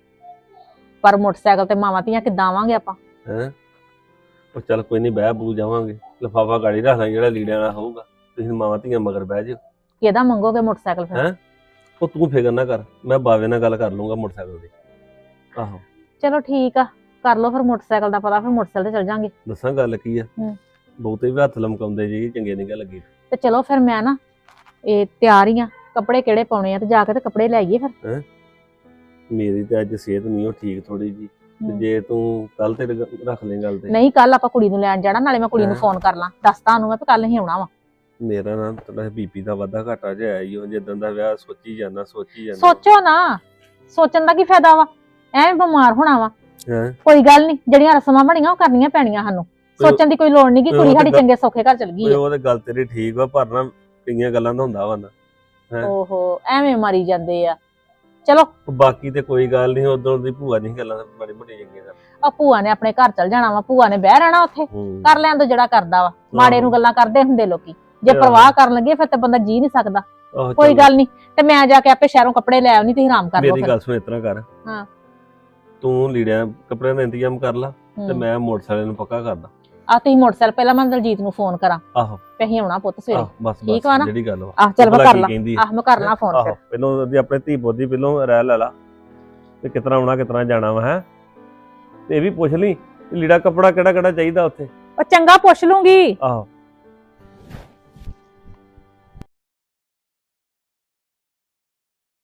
Speaker 2: ਪਰ ਮੋਟਰਸਾਈਕਲ ਤੇ ਮਾਵਾਂ ਧੀਆਂ ਕਿੱਦਾਂ ਆਵਾਂਗੇ ਆਪਾਂ?
Speaker 1: ਹੈ। ਉਹ ਚੱਲ ਕੋਈ ਨਹੀਂ, ਬਹਿ ਬੂ ਜਾਵਾਂਗੇ, ਲਿਫਾਫਾ ਗਾੜੀ ਰੱਖ ਲਾਂਗੇ ਜਿਹੜਾ ਲੀੜਿਆਂ ਵਾਲਾ ਹੋਊਗਾ, ਤੁਸੀਂ ਮਾਵਾਂ ਧੀਆਂ ਮਗਰ ਬਹਿ ਜਾਓ।
Speaker 2: ਕਿਹਦਾ ਮੰਗੋਗੇ ਮੋਟਰਸਾਈਕਲ ਫਿਰ?
Speaker 1: ਹੈਂ? ਉਹ ਤੂੰ ਫਿਕਰ ਨਾ ਕਰ, ਮੈਂ ਬਾਵੇ ਨਾਲ ਗੱਲ ਕਰ ਲੂੰਗਾ ਮੋਟਰਸਾਈਕਲ ਦੀ। ਆਹੋ
Speaker 2: ਚਲੋ ਠੀਕ ਆ, ਕਰ ਲਓ ਫਿਰ ਮੋਟਰਸਾਈਕਲ ਦਾ ਪਤਾ, ਫਿਰ ਮੋਟਰਸਾਈਕਲ ਤੇ ਚੱਲ ਜਾਾਂਗੇ।
Speaker 1: ਦੱਸਾਂ ਗੱਲ ਕੀ ਆ,
Speaker 2: ਹੂੰ।
Speaker 1: ਬਹੁਤੇ ਵੀ ਹੱਥ ਲਮਕਾਉਂਦੇ ਜੀ ਚੰਗੇ ਨਹੀਂ ਗੱਲ ਲੱਗੀ।
Speaker 2: ਤੇ ਚਲੋ ਫਿਰ ਮੈਂ ਨਾ ਇਹ ਤਿਆਰ ਹੀ ਆ, ਕੱਪੜੇ ਕਿਹੜੇ ਪਾਉਣੇ ਆ ਤੇ ਜਾ ਕੇ ਤੇ ਕੱਪੜੇ ਲੈ ਆਈਏ ਫਿਰ।
Speaker 1: ਮੇਰੀ ਤੇ ਅੱਜ ਸਿਹਤ ਨਹੀਂ ਉਹ ਠੀਕ ਥੋੜੀ ਜੀ, ਤੇ
Speaker 2: ਹੂੰ।
Speaker 1: ਜੇ ਤੂੰ ਕੱਲ ਤੇ ਰੱਖ ਲੈ ਗੱਲ ਤੇ।
Speaker 2: ਨਹੀਂ, ਕੱਲ ਆਪਾਂ ਕੁੜੀ ਨੂੰ ਲੈਣ ਜਾਣਾ, ਨਾਲੇ ਮੈਂ ਕੁੜੀ ਨੂੰ
Speaker 1: ਹੈਂ?
Speaker 2: ਫੋਨ ਕਰ ਲਾਂ, ਦੱਸਤਾ ਉਹਨੂੰ ਮੈਂ ਵੀ ਕੱਲ ਹੀ ਆਉਣਾ ਵਾ।
Speaker 1: ਮੇਰਾ ਨਾ ਤੇਰਾ ਬੀਪੀ ਦਾ ਵਾਧਾ ਘਾਟਾ ਜਿਹਾ ਆਇਆ ਹੀ, ਉਹ ਜਿੱਦਾਂ ਦਾ ਵਿਆਹ ਸੋਚੀ ਜਾਂਦਾ।
Speaker 2: ਸੋਚੋ ਨਾ, ਸੋਚਣ ਦਾ ਕੀ ਫਾਇਦਾ ਵਾ? ਐਵੇਂ ਬਿਮਾਰ ਹੋਣਾ ਵਾ।
Speaker 1: ਹੈਂ?
Speaker 2: ਕੋਈ ਗੱਲ ਨਹੀਂ, ਜਿਹੜੀਆਂ ਰਸਮਾਂ ਬਣੀਆਂ ਉਹ ਕਰਨੀਆਂ ਪੈਣੀਆਂ ਸਾਨੂੰ, ਸੋਚਣ ਦੀ ਕੋਈ ਲੋੜ ਨਹੀਂ ਕਿ
Speaker 1: ਓਏ
Speaker 2: ਕੁੜੀ
Speaker 1: ਉਹ ਤੇ
Speaker 2: ਸਾਡੀ
Speaker 1: ਗੱਲ-
Speaker 2: ਚੰਗੇ ਸੌਖੇ ਘਰ ਚਲ ਗਈ
Speaker 1: ਓਏ
Speaker 2: ਆ।
Speaker 1: ਉਹ ਤੇ ਗੱਲ ਤੇਰੀ ਠੀਕ ਵਾ, ਪਰ ਨਾ ਕਈਆਂ ਗੱਲਾਂ ਦਾ ਹੁੰਦਾ ਵਾ ਨਾ। ਹੈਂ?
Speaker 2: ਓਹੋ, ਐਵੇਂ ਮਾਰੀ ਜਾਂਦੇ ਆ। ਚਲੋ,
Speaker 1: ਉਹ ਬਾਕੀ ਤੇ ਕੋਈ ਗੱਲ ਨਹੀਂ, ਉਦੋਂ ਦੀ ਭੂਆ ਨਹੀਂ ਗੱਲਾਂ ਬੜੀ ਮੋਟੀ ਚੰਗੀਆਂ ਕਰ।
Speaker 2: ਆ ਭੂਆ ਨੇ ਆਪਣੇ ਘਰ ਚਲ ਜਾਣਾ ਵਾ, ਭੂਆ ਨੇ ਬਹਿ ਰਹਿਣਾ ਉੱਥੇ,
Speaker 1: ਹੂੰ।
Speaker 2: ਕਰ ਲੈਣ ਤੋਂ ਜਿਹੜਾ ਕਰਦਾ ਵਾ। ਮਾੜੇ ਨੂੰ ਗੱਲਾਂ ਕਰਦੇ ਹੁੰਦੇ ਲੋਕੀ, ਜੇ
Speaker 1: ਆਹੋ।
Speaker 2: ਪਰਵਾਹ ਕਰਨ ਲੱਗੇ ਫਿਰ ਤੇ ਬੰਦਾ ਜੀ ਨਹੀਂ ਸਕਦਾ।
Speaker 1: ਆਹੋ
Speaker 2: ਕੋਈ
Speaker 1: ਚੱਲ,
Speaker 2: ਗੱਲ ਨਹੀਂ, ਤੇ ਮੈਂ ਜਾ ਕੇ ਆਪੇ ਸ਼ਹਿਰੋਂ ਕੱਪੜੇ ਲੈ ਆਉਣੀ, ਤੁਸੀਂ ਆਰਾਮ ਕਰ ਲਓ
Speaker 1: ਮੇਰੀ
Speaker 2: ਫਿਰ।
Speaker 1: ਗੱਲ ਸੁਣ, ਇਸ ਤਰ੍ਹਾਂ ਕਰ।
Speaker 2: ਹਾਂ।
Speaker 1: ਤੂੰ ਲੀੜਿਆਂ ਕੱਪੜਿਆਂ ਦਾ ਇੰਤਜ਼ਾਮ ਕਰ ਲਾ, ਤੇ
Speaker 2: ਹੂੰ।
Speaker 1: ਮੈਂ ਮੋਟਰਸਾਈਕਲ ਨੂੰ ਪੱਕਾ ਕਰਦਾ।
Speaker 2: ਆ ਤੁਸੀਂ ਮੋਟਰਸਾਈਕਲ, ਪਹਿਲਾਂ ਮੈਂ ਦਲਜੀਤ ਨੂੰ ਫੋਨ ਕਰਾਂ,
Speaker 1: ਆਹੋ
Speaker 2: ਤੇ ਅਸੀਂ ਆਉਣਾ ਪੁੱਤ ਸਵੇਰੇ।
Speaker 1: ਆਹ ਬਸ
Speaker 2: ਠੀਕ
Speaker 1: ਬਸ
Speaker 2: ਵਾ ਨਾ?
Speaker 1: ਜਿਹੜੀ ਗੱਲ ਵਾ।
Speaker 2: ਆਹ ਚੱਲ ਮੈਂ
Speaker 1: ਭਲਾ
Speaker 2: ਕਰ
Speaker 1: ਕੀ
Speaker 2: ਲਾਂ,
Speaker 1: ਕਹਿੰਦੀ ਆ?
Speaker 2: ਆਹ ਮੈਂ ਕਰ ਲਾਂ ਫੋਨ
Speaker 1: ਆਹੋ,
Speaker 2: ਫਿਰ।
Speaker 1: ਪਹਿਲਾਂ ਉਹਦੀ ਆਪਣੇ ਧੀ ਪੁੱਤ ਦੀ ਪਹਿਲਾਂ ਰਹਿ ਲੈ ਲਾ, ਤੇ ਕਿਤਨਾ ਆਉਣਾ ਕਿਤਨਾ ਜਾਣਾ ਵਾ। ਹੈ ਤੇ ਇਹ ਵੀ ਪੁੱਛ ਲਈ ਲੀੜਾ ਕੱਪੜਾ ਕਿਹੜਾ ਕਿਹੜਾ ਚਾਹੀਦਾ ਉੱਥੇ।
Speaker 2: ਉਹ ਚੰਗਾ ਪੁੱਛ ਲੂੰਗੀ।
Speaker 1: ਆਹੋ